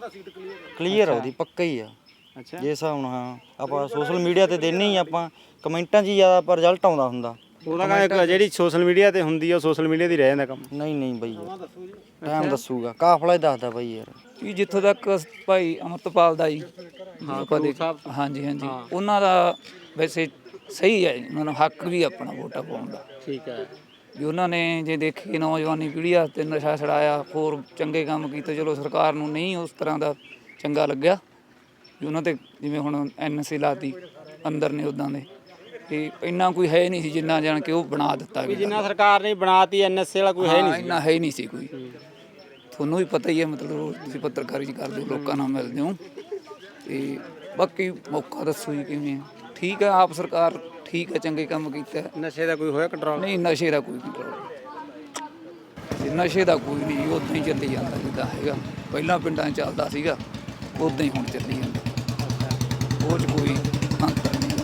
Speaker 11: ਕਲੀਅਰ ਆ ਉਹਦੀ, ਪੱਕਾ ਹੀ ਆ।
Speaker 5: ਅੱਛਾ
Speaker 11: ਜੇ ਹਿਸਾਬ ਨਾਲ ਹਾਂ ਆਪਾਂ ਸੋਸ਼ਲ ਮੀਡੀਆ ਤੇ ਦੇਣੇ ਹੀ ਆਪਾਂ, ਕਮੈਂਟਾਂ 'ਚ ਹੀ ਜ਼ਿਆਦਾ ਪਰ ਰਿਜ਼ਲਟ ਆਉਂਦਾ ਹੁੰਦਾ।
Speaker 5: ਉਹਦਾ ਕਹਿੰਦਾ ਜਿਹੜੀ ਸੋਸ਼ਲ ਮੀਡੀਆ ਤੇ ਹੁੰਦੀ ਆ ਉਹ ਸੋਸ਼ਲ ਮੀਡੀਆ ਦੀ ਰਹਿ ਜਾਂਦਾ ਕੰਮ।
Speaker 11: ਨਹੀਂ ਨਹੀਂ ਬਾਈ ਟਾਈਮ ਦੱਸੂਗਾ, ਕਾਫਲਾ ਹੀ ਦੱਸਦਾ ਬਾਈ ਯਾਰ।
Speaker 14: ਜੀ ਜਿੱਥੋਂ ਤੱਕ ਭਾਈ ਅੰਮ੍ਰਿਤਪਾਲ ਦਾ ਜੀ, ਹਾਂਜੀ ਹਾਂਜੀ ਉਹਨਾਂ ਦਾ ਵੈਸੇ ਸਹੀ ਹੈ, ਉਹਨਾਂ ਨੂੰ ਹੱਕ ਵੀ ਆਪਣਾ ਵੋਟਾਂ ਪਾਉਣ ਦਾ।
Speaker 5: ਠੀਕ ਹੈ
Speaker 14: ਵੀ ਉਹਨਾਂ ਨੇ ਜੇ ਦੇਖੀ ਨੌਜਵਾਨੀ ਪੀੜ੍ਹੀ ਵਾਸਤੇ ਨਸ਼ਾ ਛਡਾਇਆ, ਹੋਰ ਚੰਗੇ ਕੰਮ ਕੀਤੇ, ਚਲੋ ਸਰਕਾਰ ਨੂੰ ਨਹੀਂ ਉਸ ਤਰ੍ਹਾਂ ਦਾ ਚੰਗਾ ਲੱਗਿਆ ਵੀ ਉਹਨਾਂ ਤੇ ਜਿਵੇਂ ਹੁਣ ਐਨ ਐਸ ਏ ਲਾਤੀ ਅੰਦਰ ਨੇ ਉੱਦਾਂ ਦੇ, ਤੇ ਇੰਨਾ ਕੋਈ ਹੈ ਨਹੀਂ ਸੀ ਜਿੰਨਾ ਜਾਣ ਕੇ ਉਹ ਬਣਾ ਦਿੱਤਾ ਗਿਆ।
Speaker 5: ਜਿੰਨਾ ਸਰਕਾਰ ਨੇ ਬਣਾਤੀ ਐਨ ਐਸ ਏ ਵਾਲਾ ਕੋਈ ਹੈ ਨਹੀਂ,
Speaker 14: ਇੰਨਾ ਹੈ ਨਹੀਂ ਸੀ ਕੋਈ। ਤੁਹਾਨੂੰ ਵੀ ਪਤਾ ਹੀ ਹੈ, ਮਤਲਬ ਤੁਸੀਂ ਪੱਤਰਕਾਰੀ 'ਚ ਕਰਦੇ ਹੋ, ਲੋਕਾਂ ਨਾਲ ਮਿਲਦੇ ਹੋ, ਤੇ ਬਾਕੀ ਮੌਕਾ ਦੱਸੋ ਜੀ ਕਿਵੇਂ। ਠੀਕ ਹੈ ਆਪ ਸਰਕਾਰ ਠੀਕ ਹੈ, ਚੰਗੇ ਕੰਮ ਕੀਤਾ।
Speaker 5: ਨਸ਼ੇ ਦਾ ਕੋਈ ਹੋਇਆ ਕੰਟਰੋਲ?
Speaker 14: ਨਹੀਂ ਨਸ਼ੇ ਦਾ ਕੋਈ ਕੰਟਰੋਲ, ਨਸ਼ੇ ਦਾ ਕੋਈ ਨਹੀਂ, ਉਦਾਂ ਹੀ ਚੱਲੀ ਜਾਂਦਾ ਜਿੱਦਾਂ ਹੈਗਾ ਪਹਿਲਾਂ ਪਿੰਡਾਂ 'ਚ ਚੱਲਦਾ ਸੀਗਾ, ਉਦਾਂ ਹੀ ਹੁਣ ਚੱਲੀ ਜਾਂਦਾ। ਉਹ 'ਚ ਕੋਈ ਅੰਤਰ ਨਹੀਂ।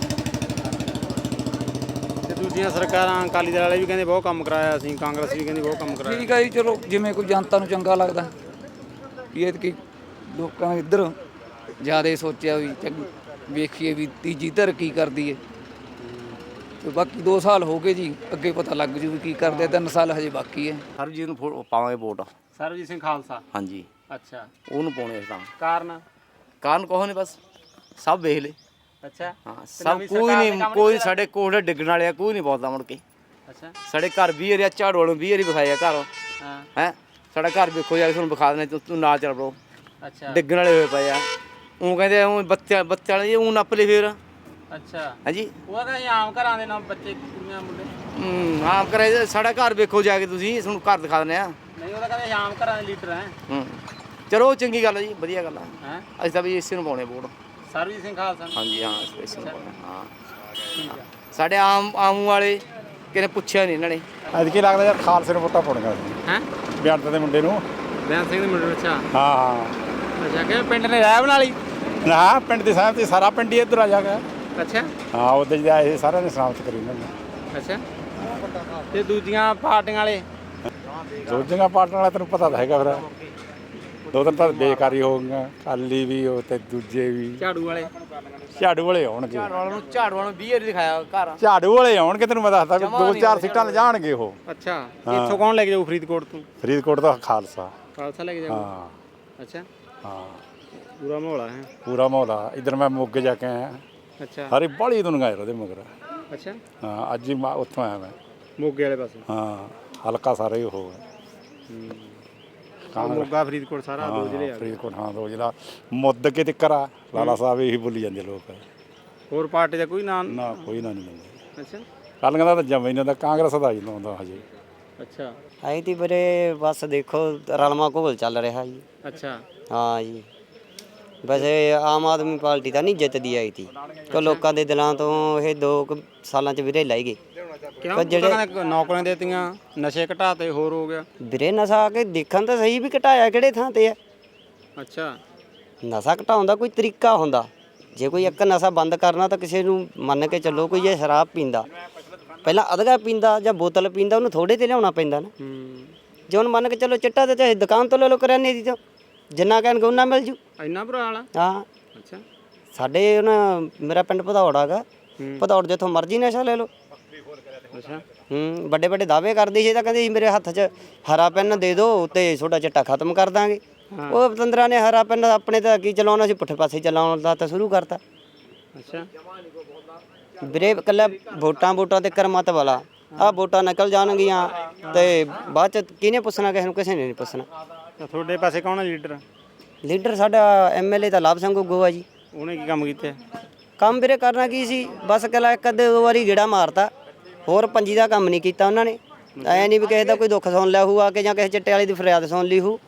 Speaker 5: ਤੇ ਦੂਜੀਆਂ ਸਰਕਾਰਾਂ ਅਕਾਲੀ ਦਲ ਵਾਲੇ ਵੀ ਕਹਿੰਦੇ ਬਹੁਤ ਕੰਮ ਕਰਾਇਆ, ਅਸੀਂ ਕਾਂਗਰਸ ਵੀ ਕਹਿੰਦੀ ਬਹੁਤ ਕੰਮ ਕਰਾਇਆ।
Speaker 14: ਠੀਕ ਹੈ ਜੀ, ਚਲੋ ਜਿਵੇਂ ਕੋਈ ਜਨਤਾ ਨੂੰ ਚੰਗਾ ਲੱਗਦਾ ਵੀ ਇਹ ਕਿ ਲੋਕਾਂ ਇੱਧਰ ਜ਼ਿਆਦਾ ਸੋਚਿਆ ਵੀ ਚੰਗ ਵੇਖੀਏ ਵੀ ਤੀਜੀ ਧਿਰ ਕੀ ਕਰਦੀ ਹੈ, ਤੇ ਬਾਕੀ ਦੋ ਸਾਲ ਹੋ ਗਏ ਜੀ, ਅੱਗੇ ਪਤਾ ਲੱਗ ਜੂ ਵੀ ਕੀ ਕਰਦੇ। ਤਿੰਨ ਸਾਲ ਹਜੇ ਬਾਕੀ ਹੈ।
Speaker 6: ਸਰਬਜੀਤ ਨੂੰ ਪਾਵਾਂਗੇ ਵੋਟ।
Speaker 5: ਸਰਬਜੀਤ ਸਿੰਘ ਖਾਲਸਾ?
Speaker 6: ਹਾਂਜੀ
Speaker 5: ਅੱਛਾ
Speaker 6: ਉਹਨੂੰ ਪਾਉਣੇ ਤਾਂ
Speaker 5: ਕਾਰਨ?
Speaker 6: ਕਾਰਨ ਕੋਹ ਨਹੀਂ, ਬਸ ਸਭ ਵੇਖ ਲੈ।
Speaker 5: ਅੱਛਾ
Speaker 6: ਹਾਂ ਸਭ ਕੋਈ ਨਹੀਂ, ਕੋਈ ਸਾਡੇ ਕੋਲ ਡਿੱਗਣ ਵਾਲਿਆ ਕੋਈ ਨਹੀਂ ਬੋਲਦਾ ਮੁੜ ਕੇ।
Speaker 5: ਅੱਛਾ
Speaker 6: ਸਾਡੇ ਘਰ ਵੀਹ ਏਰੀਆ ਝਾੜੂ ਵਾਲੋਂ ਵੀਹ ਏਰੀ ਵਿਖਾਇਆ ਘਰ।
Speaker 5: ਹਾਂ
Speaker 6: ਹੈ ਸਾਡਾ ਘਰ ਵੇਖੋ ਜਾ ਕੇ ਤੁਹਾਨੂੰ ਵਿਖਾ ਦੇਣਾ, ਤੂੰ ਨਾਲ ਚੱਲ ਬਰੋ।
Speaker 5: ਅੱਛਾ
Speaker 6: ਡਿੱਗਣ ਵਾਲੇ ਹੋਏ ਪਏ ਆ। ਉਹ ਕਹਿੰਦੇ ਉਹ ਬੱਚਾ ਬੱਚਾ ਵਾਲੇ ਉਹ ਨੱਪ ਲੈ ਫੇਰ।
Speaker 5: ਅੱਛਾ
Speaker 6: ਹਾਂਜੀ
Speaker 5: ਉਹ ਤਾਂ ਆਮ ਘਰਾਂ ਦੇ ਨਾਲ ਬੱਚੇ ਕੁੜੀਆਂ ਮੁੰਡੇ।
Speaker 6: ਹੂੰ ਆਮ ਕਰੇ ਸਾਡਾ ਘਰ ਵੇਖੋ ਜਾ ਕੇ ਤੁਸੀਂ, ਤੁਹਾਨੂੰ ਘਰ ਦਿਖਾ ਦਿੰਦੇ ਆ।
Speaker 5: ਨਹੀਂ ਉਹ ਤਾਂ ਕਹਿੰਦੇ ਆਮ ਘਰਾਂ ਦੇ ਲੀਡਰ ਹੈ।
Speaker 6: ਹੂੰ ਚਲੋ ਚੰਗੀ ਗੱਲ ਹੈ ਜੀ, ਵਧੀਆ ਗੱਲ ਹੈ।
Speaker 5: ਹੈ
Speaker 6: ਅਸੀਂ ਤਾਂ ਵੀ ਇਸੇ ਨੂੰ ਪਾਉਣੇ ਵੋਟ।
Speaker 5: ਸਰਬਜੀਤ ਸਿੰਘ ਖਾਲਸਾ?
Speaker 6: ਹਾਂਜੀ ਹਾਂ ਇਸੇ ਨੂੰ ਪਾਉਣੇ। ਹਾਂ ਸਾਡੇ ਆਮ ਆਮ ਵਾਲੇ ਕਿਹਨੇ ਪੁੱਛਿਆ ਨਹੀਂ ਇਹਨਾਂ ਨੇ।
Speaker 1: ਅੱਜ ਕੀ ਲੱਗਦਾ ਯਾਰ ਖਾਲਸੇ ਨੂੰ ਵੋਟਾਂ ਪਾਉਣੀਆਂ
Speaker 5: ਹੈ
Speaker 1: ਬਿਆਨ ਦੇ ਮੁੰਡੇ ਨੂੰ।
Speaker 5: ਬਿਆਨ ਸਿੰਘ ਦੇ ਮੁੰਡੇ ਨੂੰ? ਅੱਛਾ
Speaker 1: ਹਾਂ ਹਾਂ
Speaker 5: ਅੱਛਾ ਕਿ ਪਿੰਡ ਨੇ ਰਾਇ ਬਣਾ ਲਈ?
Speaker 1: ਨਾ ਪਿੰਡ ਦੀ ਸਹਿਮਤੀ, ਸਾਰਾ ਪਿੰਡ ਹੀ ਇੱਧਰ ਆ ਜਾ ਗਿਆ।
Speaker 5: ਅੱਛਾ
Speaker 1: ਹਾਂ ਉਹਦੇ ਜਿਹੜਾ ਇਹ ਸਾਰਿਆਂ ਨੇ ਸਮਾਪਤ ਕਰੀ ਇਹਨਾਂ ਨੇ।
Speaker 5: ਅੱਛਾ ਤੇ ਦੂਜੀਆਂ ਪਾਰਟੀਆਂ ਵਾਲੇ?
Speaker 1: ਦੂਜੀਆਂ ਪਾਰਟੀਆਂ ਵਾਲੇ ਤੈਨੂੰ ਪਤਾ ਤਾਂ ਹੈਗਾ, ਫਿਰ ਦੋ ਦਿਨ ਤਾਂ ਬੇਕਾਰੀ ਹੋ ਗਈਆਂ, ਅਕਾਲੀ ਵੀ ਉਹ ਤੇ ਦੂਜੇ ਵੀ।
Speaker 5: ਝਾੜੂ ਵਾਲੇ?
Speaker 1: ਝਾੜੂ ਵਾਲੇ ਆਉਣਗੇ।
Speaker 6: ਝਾੜੂ ਵਾਲੇ ਨੂੰ ਝਾੜੂ ਵਾਲੇ ਨੂੰ ਵੀਹ ਏਰੀ ਦਿਖਾਇਆ ਘਰ।
Speaker 1: ਝਾੜੂ ਵਾਲੇ ਆਉਣਗੇ, ਤੈਨੂੰ ਮੈਂ ਦੱਸਦਾ ਵੀ ਦੋ ਚਾਰ ਸੀਟਾਂ ਲਿਜਾਣਗੇ ਉਹ।
Speaker 5: ਅੱਛਾ ਇੱਥੋਂ ਕੌਣ ਲੈ ਕੇ ਜਾਊ ਫਰੀਦਕੋਟ ਤੋਂ?
Speaker 1: ਫਰੀਦਕੋਟ ਦਾ ਖਾਲਸਾ।
Speaker 5: ਖਾਲਸਾ ਲੈ ਕੇ ਜਾਊ?
Speaker 1: ਹਾਂ
Speaker 5: ਅੱਛਾ
Speaker 1: ਹਾਂ
Speaker 5: ਪੂਰਾ ਮਾਹੌਲ ਹੈ?
Speaker 1: ਪੂਰਾ ਮਾਹੌਲ ਆ। ਇੱਧਰ ਮੈਂ ਮੋਗੇ ਜਾ ਕੇ ਆਇਆ।
Speaker 5: ਅੱਛਾ
Speaker 1: ਹਰੀ ਬੜੀ ਦੁਨੀਆ ਯਾਰ ਉਹਦੇ ਮਗਰ।
Speaker 5: ਅੱਛਾ
Speaker 1: ਹਾਂ ਅੱਜ ਹੀ ਮੈਂ ਉੱਥੋਂ ਆਇਆ ਮੈਂ,
Speaker 5: ਮੋਗੇ ਵਾਲੇ ਪਾਸੇ।
Speaker 1: ਹਾਂ ਹਲਕਾ ਸਾਰਾ ਹੀ ਉਹ ਹੈ।
Speaker 5: ਮੋਗਾ ਫਰੀਦਕੋਟ ਸਾਰਾ ਦੋ ਜ਼ਿਲ੍ਹੇ ਆ।
Speaker 1: ਫਰੀਦਕੋਟ ਹਾਂ ਦੋ ਜ਼ਿਲ੍ਹਾ ਮੁੱਦ ਕੇ ਤਿੱਕਰ ਆ। ਲਾਲਾ ਸਾਹਿਬ ਇਹੀ ਬੋਲੀ ਜਾਂਦੇ ਲੋਕ।
Speaker 5: ਹੋਰ ਪਾਰਟੀ ਦਾ ਕੋਈ ਨਾਂ?
Speaker 1: ਨਾ ਕੋਈ ਨਾ ਨਹੀਂ ਲੈਂਦੇ।
Speaker 5: ਅੱਛਾ
Speaker 1: ਕੱਲ੍ਹ ਦਾ ਤਾਂ ਜਮਾ ਹੀ ਨਹੀਂ ਦਾ, ਕਾਂਗਰਸ ਦਾ ਹੀ ਲਾਉਂਦਾ ਹਜੇ।
Speaker 5: ਅੱਛਾ
Speaker 8: ਆਈ ਤੀ ਵੀਰੇ ਬਸ ਦੇਖੋ ਰਲਮਾ ਘੋਲ ਚੱਲ ਰਿਹਾ ਜੀ।
Speaker 5: ਅੱਛਾ
Speaker 8: ਹਾਂ ਜੀ ਵੈਸੇ ਆਮ ਆਦਮੀ ਪਾਰਟੀ ਤਾਂ ਨਹੀਂ ਜਿੱਤਦੀ ਆਈ ਤੀ ਕਿ ਲੋਕਾਂ ਦੇ ਦਿਲਾਂ ਤੋਂ ਇਹ ਦੋ ਕੁ ਸਾਲਾਂ 'ਚ ਵੀਰੇ ਲਾਈ ਗਏ।
Speaker 5: ਕਿਉਂ ਜਿਹੜੇ ਨੌਕਰੀਆਂ ਦੇਤੀਆਂ, ਨਸ਼ੇ ਘਟਾਤੇ, ਹੋਰ ਹੋ ਗਿਆ।
Speaker 8: ਵੀਰੇ ਨਸ਼ਾ ਆ ਕੇ ਦੇਖਣ ਤਾਂ ਸਹੀ ਵੀ ਘਟਾਇਆ ਕਿਹੜੇ ਥਾਂ ਤੇ ਆ।
Speaker 5: ਅੱਛਾ,
Speaker 8: ਨਸ਼ਾ ਘਟਾਉਣ ਦਾ ਕੋਈ ਤਰੀਕਾ ਹੁੰਦਾ। ਜੇ ਕੋਈ ਇੱਕ ਨਸ਼ਾ ਬੰਦ ਕਰਨਾ ਤਾਂ ਕਿਸੇ ਨੂੰ ਮੰਨ ਕੇ ਚੱਲੋ, ਕੋਈ ਜੇ ਸ਼ਰਾਬ ਪੀਂਦਾ ਪਹਿਲਾਂ ਅਧਗਾ ਪੀਂਦਾ ਜਾਂ ਬੋਤਲ ਪੀਂਦਾ, ਉਹਨੂੰ ਥੋੜੇ ਤੇ ਲਿਆਉਣਾ ਪੈਂਦਾ ਨਾ। ਜੇ ਹੁਣ ਮੰਨ ਕੇ ਚੱਲੋ ਚਿੱਟਾ ਤੇ ਚਾਹੇ ਦੁਕਾਨ ਤੋਂ ਲੈ ਲਓ ਕਰਿਆਨੇ ਦੀ, ਤਾਂ ਜਿੰਨਾ ਕਹਿਣਗੇ ਉਹਨਾਂ ਮਿਲ ਜੂ।
Speaker 5: ਇੰਨਾ ਬੁਰਾ ਹਾਲ ਆ?
Speaker 8: ਹਾਂ।
Speaker 5: ਅੱਛਾ,
Speaker 8: ਸਾਡੇ ਉਹਨਾਂ ਮੇਰਾ ਪਿੰਡ ਭਦੌੜ ਹੈਗਾ, ਭਦੌੜ ਜਿੱਥੋਂ ਮਰਜ਼ੀ ਨਸ਼ਾ ਲੈ ਲਓ।
Speaker 5: ਅੱਛਾ,
Speaker 8: ਹੂੰ ਵੱਡੇ ਵੱਡੇ ਦਾਅਵੇ ਕਰਦੀ ਸੀ, ਤਾਂ ਕਹਿੰਦੇ ਸੀ ਮੇਰੇ ਹੱਥ 'ਚ ਹਰਾ ਪੈਨ ਦੇ ਦਿਓ ਤੇ ਤੁਹਾਡਾ ਚਿੱਟਾ ਖਤਮ ਕਰ ਦਾਂਗੇ। ਉਹ ਪਤੰਦਰਾਂ ਨੇ ਹਰਾ ਪੈਨ ਆਪਣੇ ਤਾਂ ਕੀ ਚਲਾਉਣਾ ਸੀ, ਪੁੱਠੇ ਪਾਸੇ ਚਲਾਉਣ ਦਾ ਤਾਂ ਸ਼ੁਰੂ ਕਰਤਾ।
Speaker 5: ਅੱਛਾ
Speaker 8: ਵੀਰੇ ਇਕੱਲਾ ਵੋਟਾਂ ਵੋਟਾਂ ਤੇ ਕਰਮਤ ਵਾਲਾ, ਆਹ ਵੋਟਾਂ ਨਿਕਲ ਜਾਣਗੀਆਂ ਤੇ ਬਾਅਦ 'ਚ ਕਿਹਨੇ ਪੁੱਛਣਾ, ਕਿਸੇ ਨੂੰ ਕਿਸੇ ਨੇ ਨਹੀਂ ਪੁੱਛਣਾ।
Speaker 5: ਤੁਹਾਡੇ ਪਾਸੇ ਕੌਣ ਹੈ ਲੀਡਰ?
Speaker 8: ਲੀਡਰ ਸਾਡਾ ਐਮ ਐਲ ਏ ਤਾਂ ਲਾਭ ਸਿੰਘ ਗੁੱਗੂ ਆ ਜੀ।
Speaker 5: ਉਹਨੇ ਕੀ ਕੰਮ ਕੀਤੇ?
Speaker 8: ਕੰਮ ਵੀਰੇ ਕਰਨਾ ਕੀ ਸੀ, ਬਸ ਇਕੱਲਾ ਇੱਕ ਅੱਧੇ ਦੋ ਵਾਰੀ ਗੇੜਾ ਮਾਰਤਾ, ਹੋਰ ਪੰਜੀ ਦਾ ਕੰਮ ਨਹੀਂ ਕੀਤਾ ਉਹਨਾਂ ਨੇ। ਐ ਨਹੀਂ ਵੀ ਕਿਸੇ ਦਾ ਕੋਈ ਦੁੱਖ ਸੁਣ ਲਿਆ ਹੋਊ ਆ ਕੇ, ਜਾਂ ਕਿਸੇ ਚਿੱਟੇ ਵਾਲੀ ਦੀ ਫਰਿਆਦ ਸੁਣ ਲਈ ਹੋਊ।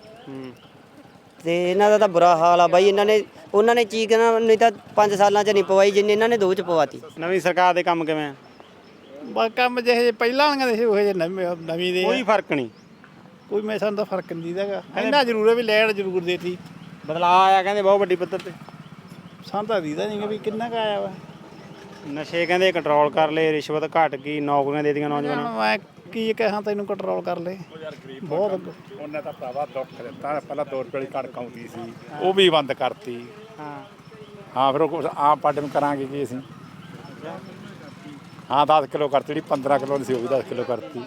Speaker 8: ਤੇ ਇਹਨਾਂ ਦਾ ਤਾਂ ਬੁਰਾ ਹਾਲ ਆ ਬਾਈ। ਇਹਨਾਂ ਨੇ ਉਹਨਾਂ ਨੇ ਚੀਕ ਨਾ ਨਹੀਂ ਤਾਂ ਪੰਜ ਸਾਲਾਂ 'ਚ ਨਹੀਂ ਪਵਾਈ ਜਿੰਨੇ ਇਹਨਾਂ ਨੇ ਦੋ 'ਚ ਪਵਾਤੀ।
Speaker 5: ਨਵੀਂ ਸਰਕਾਰ ਦੇ ਕੰਮ ਕਿਵੇਂ?
Speaker 15: ਬਸ ਕੰਮ ਜਿਹੇ ਪਹਿਲਾਂ ਵਾਲੀਆਂ ਦੇ ਸੀ ਉਹ ਜਿਹੇ ਨਵੀਂ ਦੇ
Speaker 5: ਕੋਈ ਫਰਕ ਨਹੀਂ,
Speaker 15: ਕੋਈ ਮੈਂ ਸਾਨੂੰ ਤਾਂ ਫਰਕ ਨਹੀਂ ਦੀਦਾਗਾ। ਇੰਨਾ ਜ਼ਰੂਰ ਹੈ ਵੀ ਲੈਣ ਜ਼ਰੂਰ ਦੇਤੀ,
Speaker 5: ਬਦਲਾਅ ਆਇਆ ਕਹਿੰਦੇ ਬਹੁਤ ਵੱਡੀ ਪੱਧਰ ਤੇ।
Speaker 15: ਸਾਨੂੰ ਤਾਂ ਦੀਦਾ ਨਹੀਂ ਵੀ ਕਿੰਨਾ ਕੁ ਆਇਆ ਵਾ।
Speaker 5: ਨਸ਼ੇ ਕਹਿੰਦੇ ਕੰਟਰੋਲ ਕਰ ਲਏ, ਰਿਸ਼ਵਤ ਘਟ ਗਈ, ਨੌਕਰੀਆਂ ਦੇ ਦਿੱਤੀਆਂ ਨੌਜਵਾਨਾਂ ਨੂੰ।
Speaker 15: ਮੈਂ ਕੀ ਕਹਾਂ ਤੈਨੂੰ ਕੰਟਰੋਲ ਕਰ ਲੈ ਬਹੁਤ।
Speaker 1: ਉਹਨੇ ਤਾਂ ਭਰਾਵਾ ਦੁੱਖ ਦਿੱਤਾ। ਪਹਿਲਾਂ ਦੋ ਰੁਪਏ ਵਾਲੀ ਕਣਕ ਆਉਂਦੀ ਸੀ, ਉਹ ਵੀ ਬੰਦ ਕਰਤੀ।
Speaker 5: ਹਾਂ
Speaker 1: ਹਾਂ, ਫਿਰ ਉਹ ਆਮ ਪਾਰਟੀ ਨੂੰ ਕਰਾਂਗੇ ਕੀ ਅਸੀਂ। ਹਾਂ, ਦਸ ਕਿਲੋ ਕਰਤੀ, ਜਿਹੜੀ ਪੰਦਰਾਂ ਕਿਲੋ ਦੀ ਸੀ ਉਹ ਵੀ ਦਸ ਕਿਲੋ ਕਰਤੀ।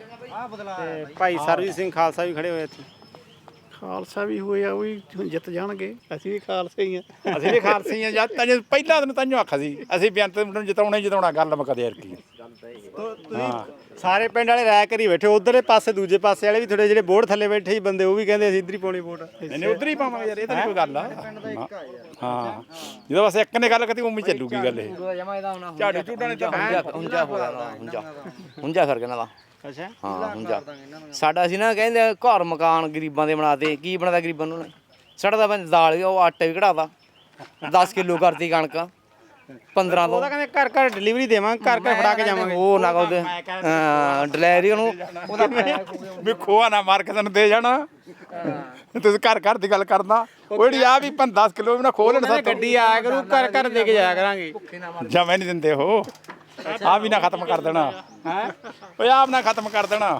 Speaker 5: ਤੇ ਭਾਈ ਸਰਬਜੀਤ ਸਿੰਘ ਖਾਲਸਾ ਵੀ ਖੜੇ ਹੋਏ ਇੱਥੇ।
Speaker 15: ਖਾਲਸਾ ਵੀ ਹੋਏ ਆ, ਉਹ ਵੀ ਹੁਣ ਜਿੱਤ ਜਾਣਗੇ। ਅਸੀਂ ਵੀ ਖਾਲਸੇ ਹੀ ਆ।
Speaker 1: ਅਸੀਂ ਵੀ ਖਾਲਸੇ ਹੀ ਆ। ਜਦ ਤੱਕ ਪਹਿਲਾਂ ਦਿਨ ਤਾਂਹੀਓ ਆਖਿਆ ਸੀ ਅਸੀਂ ਬੇਅੰਤ ਨੂੰ ਜਿਤਾਉਣਾ ਹੀ ਜਿਤਾਉਣਾ, ਗੱਲ ਮੁੱਕਦੇ ਯਾਰ ਕੀ।
Speaker 5: ਹਾਂ, ਸਾਰੇ ਪਿੰਡ ਵਾਲੇ ਰਾਇ ਕਰੀ ਬੈਠੇ, ਉਧਰਲੇ ਪਾਸੇ ਦੂਜੇ ਪਾਸੇ ਵਾਲੇ ਵੀ ਥੋੜੇ ਜਿਹੜੇ ਬੋਰਡ ਥੱਲੇ ਬੈਠੇ ਸੀ ਬੰਦੇ, ਉਹ ਵੀ ਕਹਿੰਦੇ ਅਸੀਂ ਇੱਧਰ ਹੀ ਪਾਉਣੀ ਵੋਟ।
Speaker 1: ਨਹੀਂ ਉਧਰ ਹੀ ਪਾਵਾਂਗੇ ਯਾਰ, ਇਹ ਤਾਂ ਨਹੀਂ ਕੋਈ ਗੱਲ ਆ। ਹਾਂ, ਜਦੋਂ ਬਸ ਇੱਕ ਨੇ ਗੱਲ ਕੀਤੀ ਉਵੇਂ ਚੱਲੂਗੀ ਗੱਲ। ਇਹ ਝਾੜੂ ਝੂਟਾਂ ਨੇ ਤਾਂ
Speaker 11: ਹੁੰਜਾ ਹੋ ਗਿਆ, ਹੁੰਜਾ ਹੁੰਜਾ ਕਰ ਗਿਆ ਨਾ ਦਾ।
Speaker 5: ਅੱਛਾ,
Speaker 11: ਹਾਂ ਹੁੰਜਾ ਸਾਡਾ ਸੀ ਨਾ, ਕਹਿੰਦੇ ਘਰ ਮਕਾਨ ਗਰੀਬਾਂ ਦੇ ਬਣਾਤੇ। ਕੀ ਬਣਾਤਾ ਗਰੀਬਾਂ ਨੂੰ? ਸਾਡਾ ਤਾਂ ਬੰਦ ਦਾਲ, ਉਹ ਆਟਾ ਵੀ ਘੜਾਤਾ, ਦਸ ਕਿਲੋ ਕਰਤੀ ਕਣਕ ਪੰਦਰਾਂ ਤੋਂ।
Speaker 5: ਉਹਦਾ ਕਹਿੰਦੇ ਘਰ ਘਰ ਡਿਲੀਵਰੀ ਦੇਵਾਂਗੇ, ਘਰ ਘਰ ਫੜਾ ਕੇ ਜਾਵਾਂਗੇ।
Speaker 11: ਉਹ ਨਾ ਉਹਦੇ ਡਿਲੀਵਰੀ ਉਹਨੂੰ ਉਹਦਾ
Speaker 1: ਵੀ ਖੋਆ ਨਾ ਮਾਰ ਕੇ ਤੈਨੂੰ ਦੇ ਜਾਣਾ। ਤੁਸੀਂ ਘਰ ਘਰ ਦੀ ਗੱਲ ਕਰਦਾ, ਉਹ ਜਿਹੜੀ ਆ ਵੀ ਦਸ ਕਿਲੋ ਵੀ ਨਾ ਖੋਹ ਲੈਣ।
Speaker 5: ਸਾਡੀ ਗੱਡੀ ਆਇਆ ਕਰੂ, ਘਰ ਘਰ ਦੇ ਕੇ ਜਾਇਆ ਕਰਾਂਗੇ।
Speaker 1: ਜਮੇ ਨਹੀਂ ਦਿੰਦੇ ਉਹ, ਆ ਵੀ ਨਾ ਖਤਮ ਕਰ ਦੇਣਾ। ਓਏ ਆਪ ਨਾ ਖਤਮ ਕਰ ਦੇਣਾ।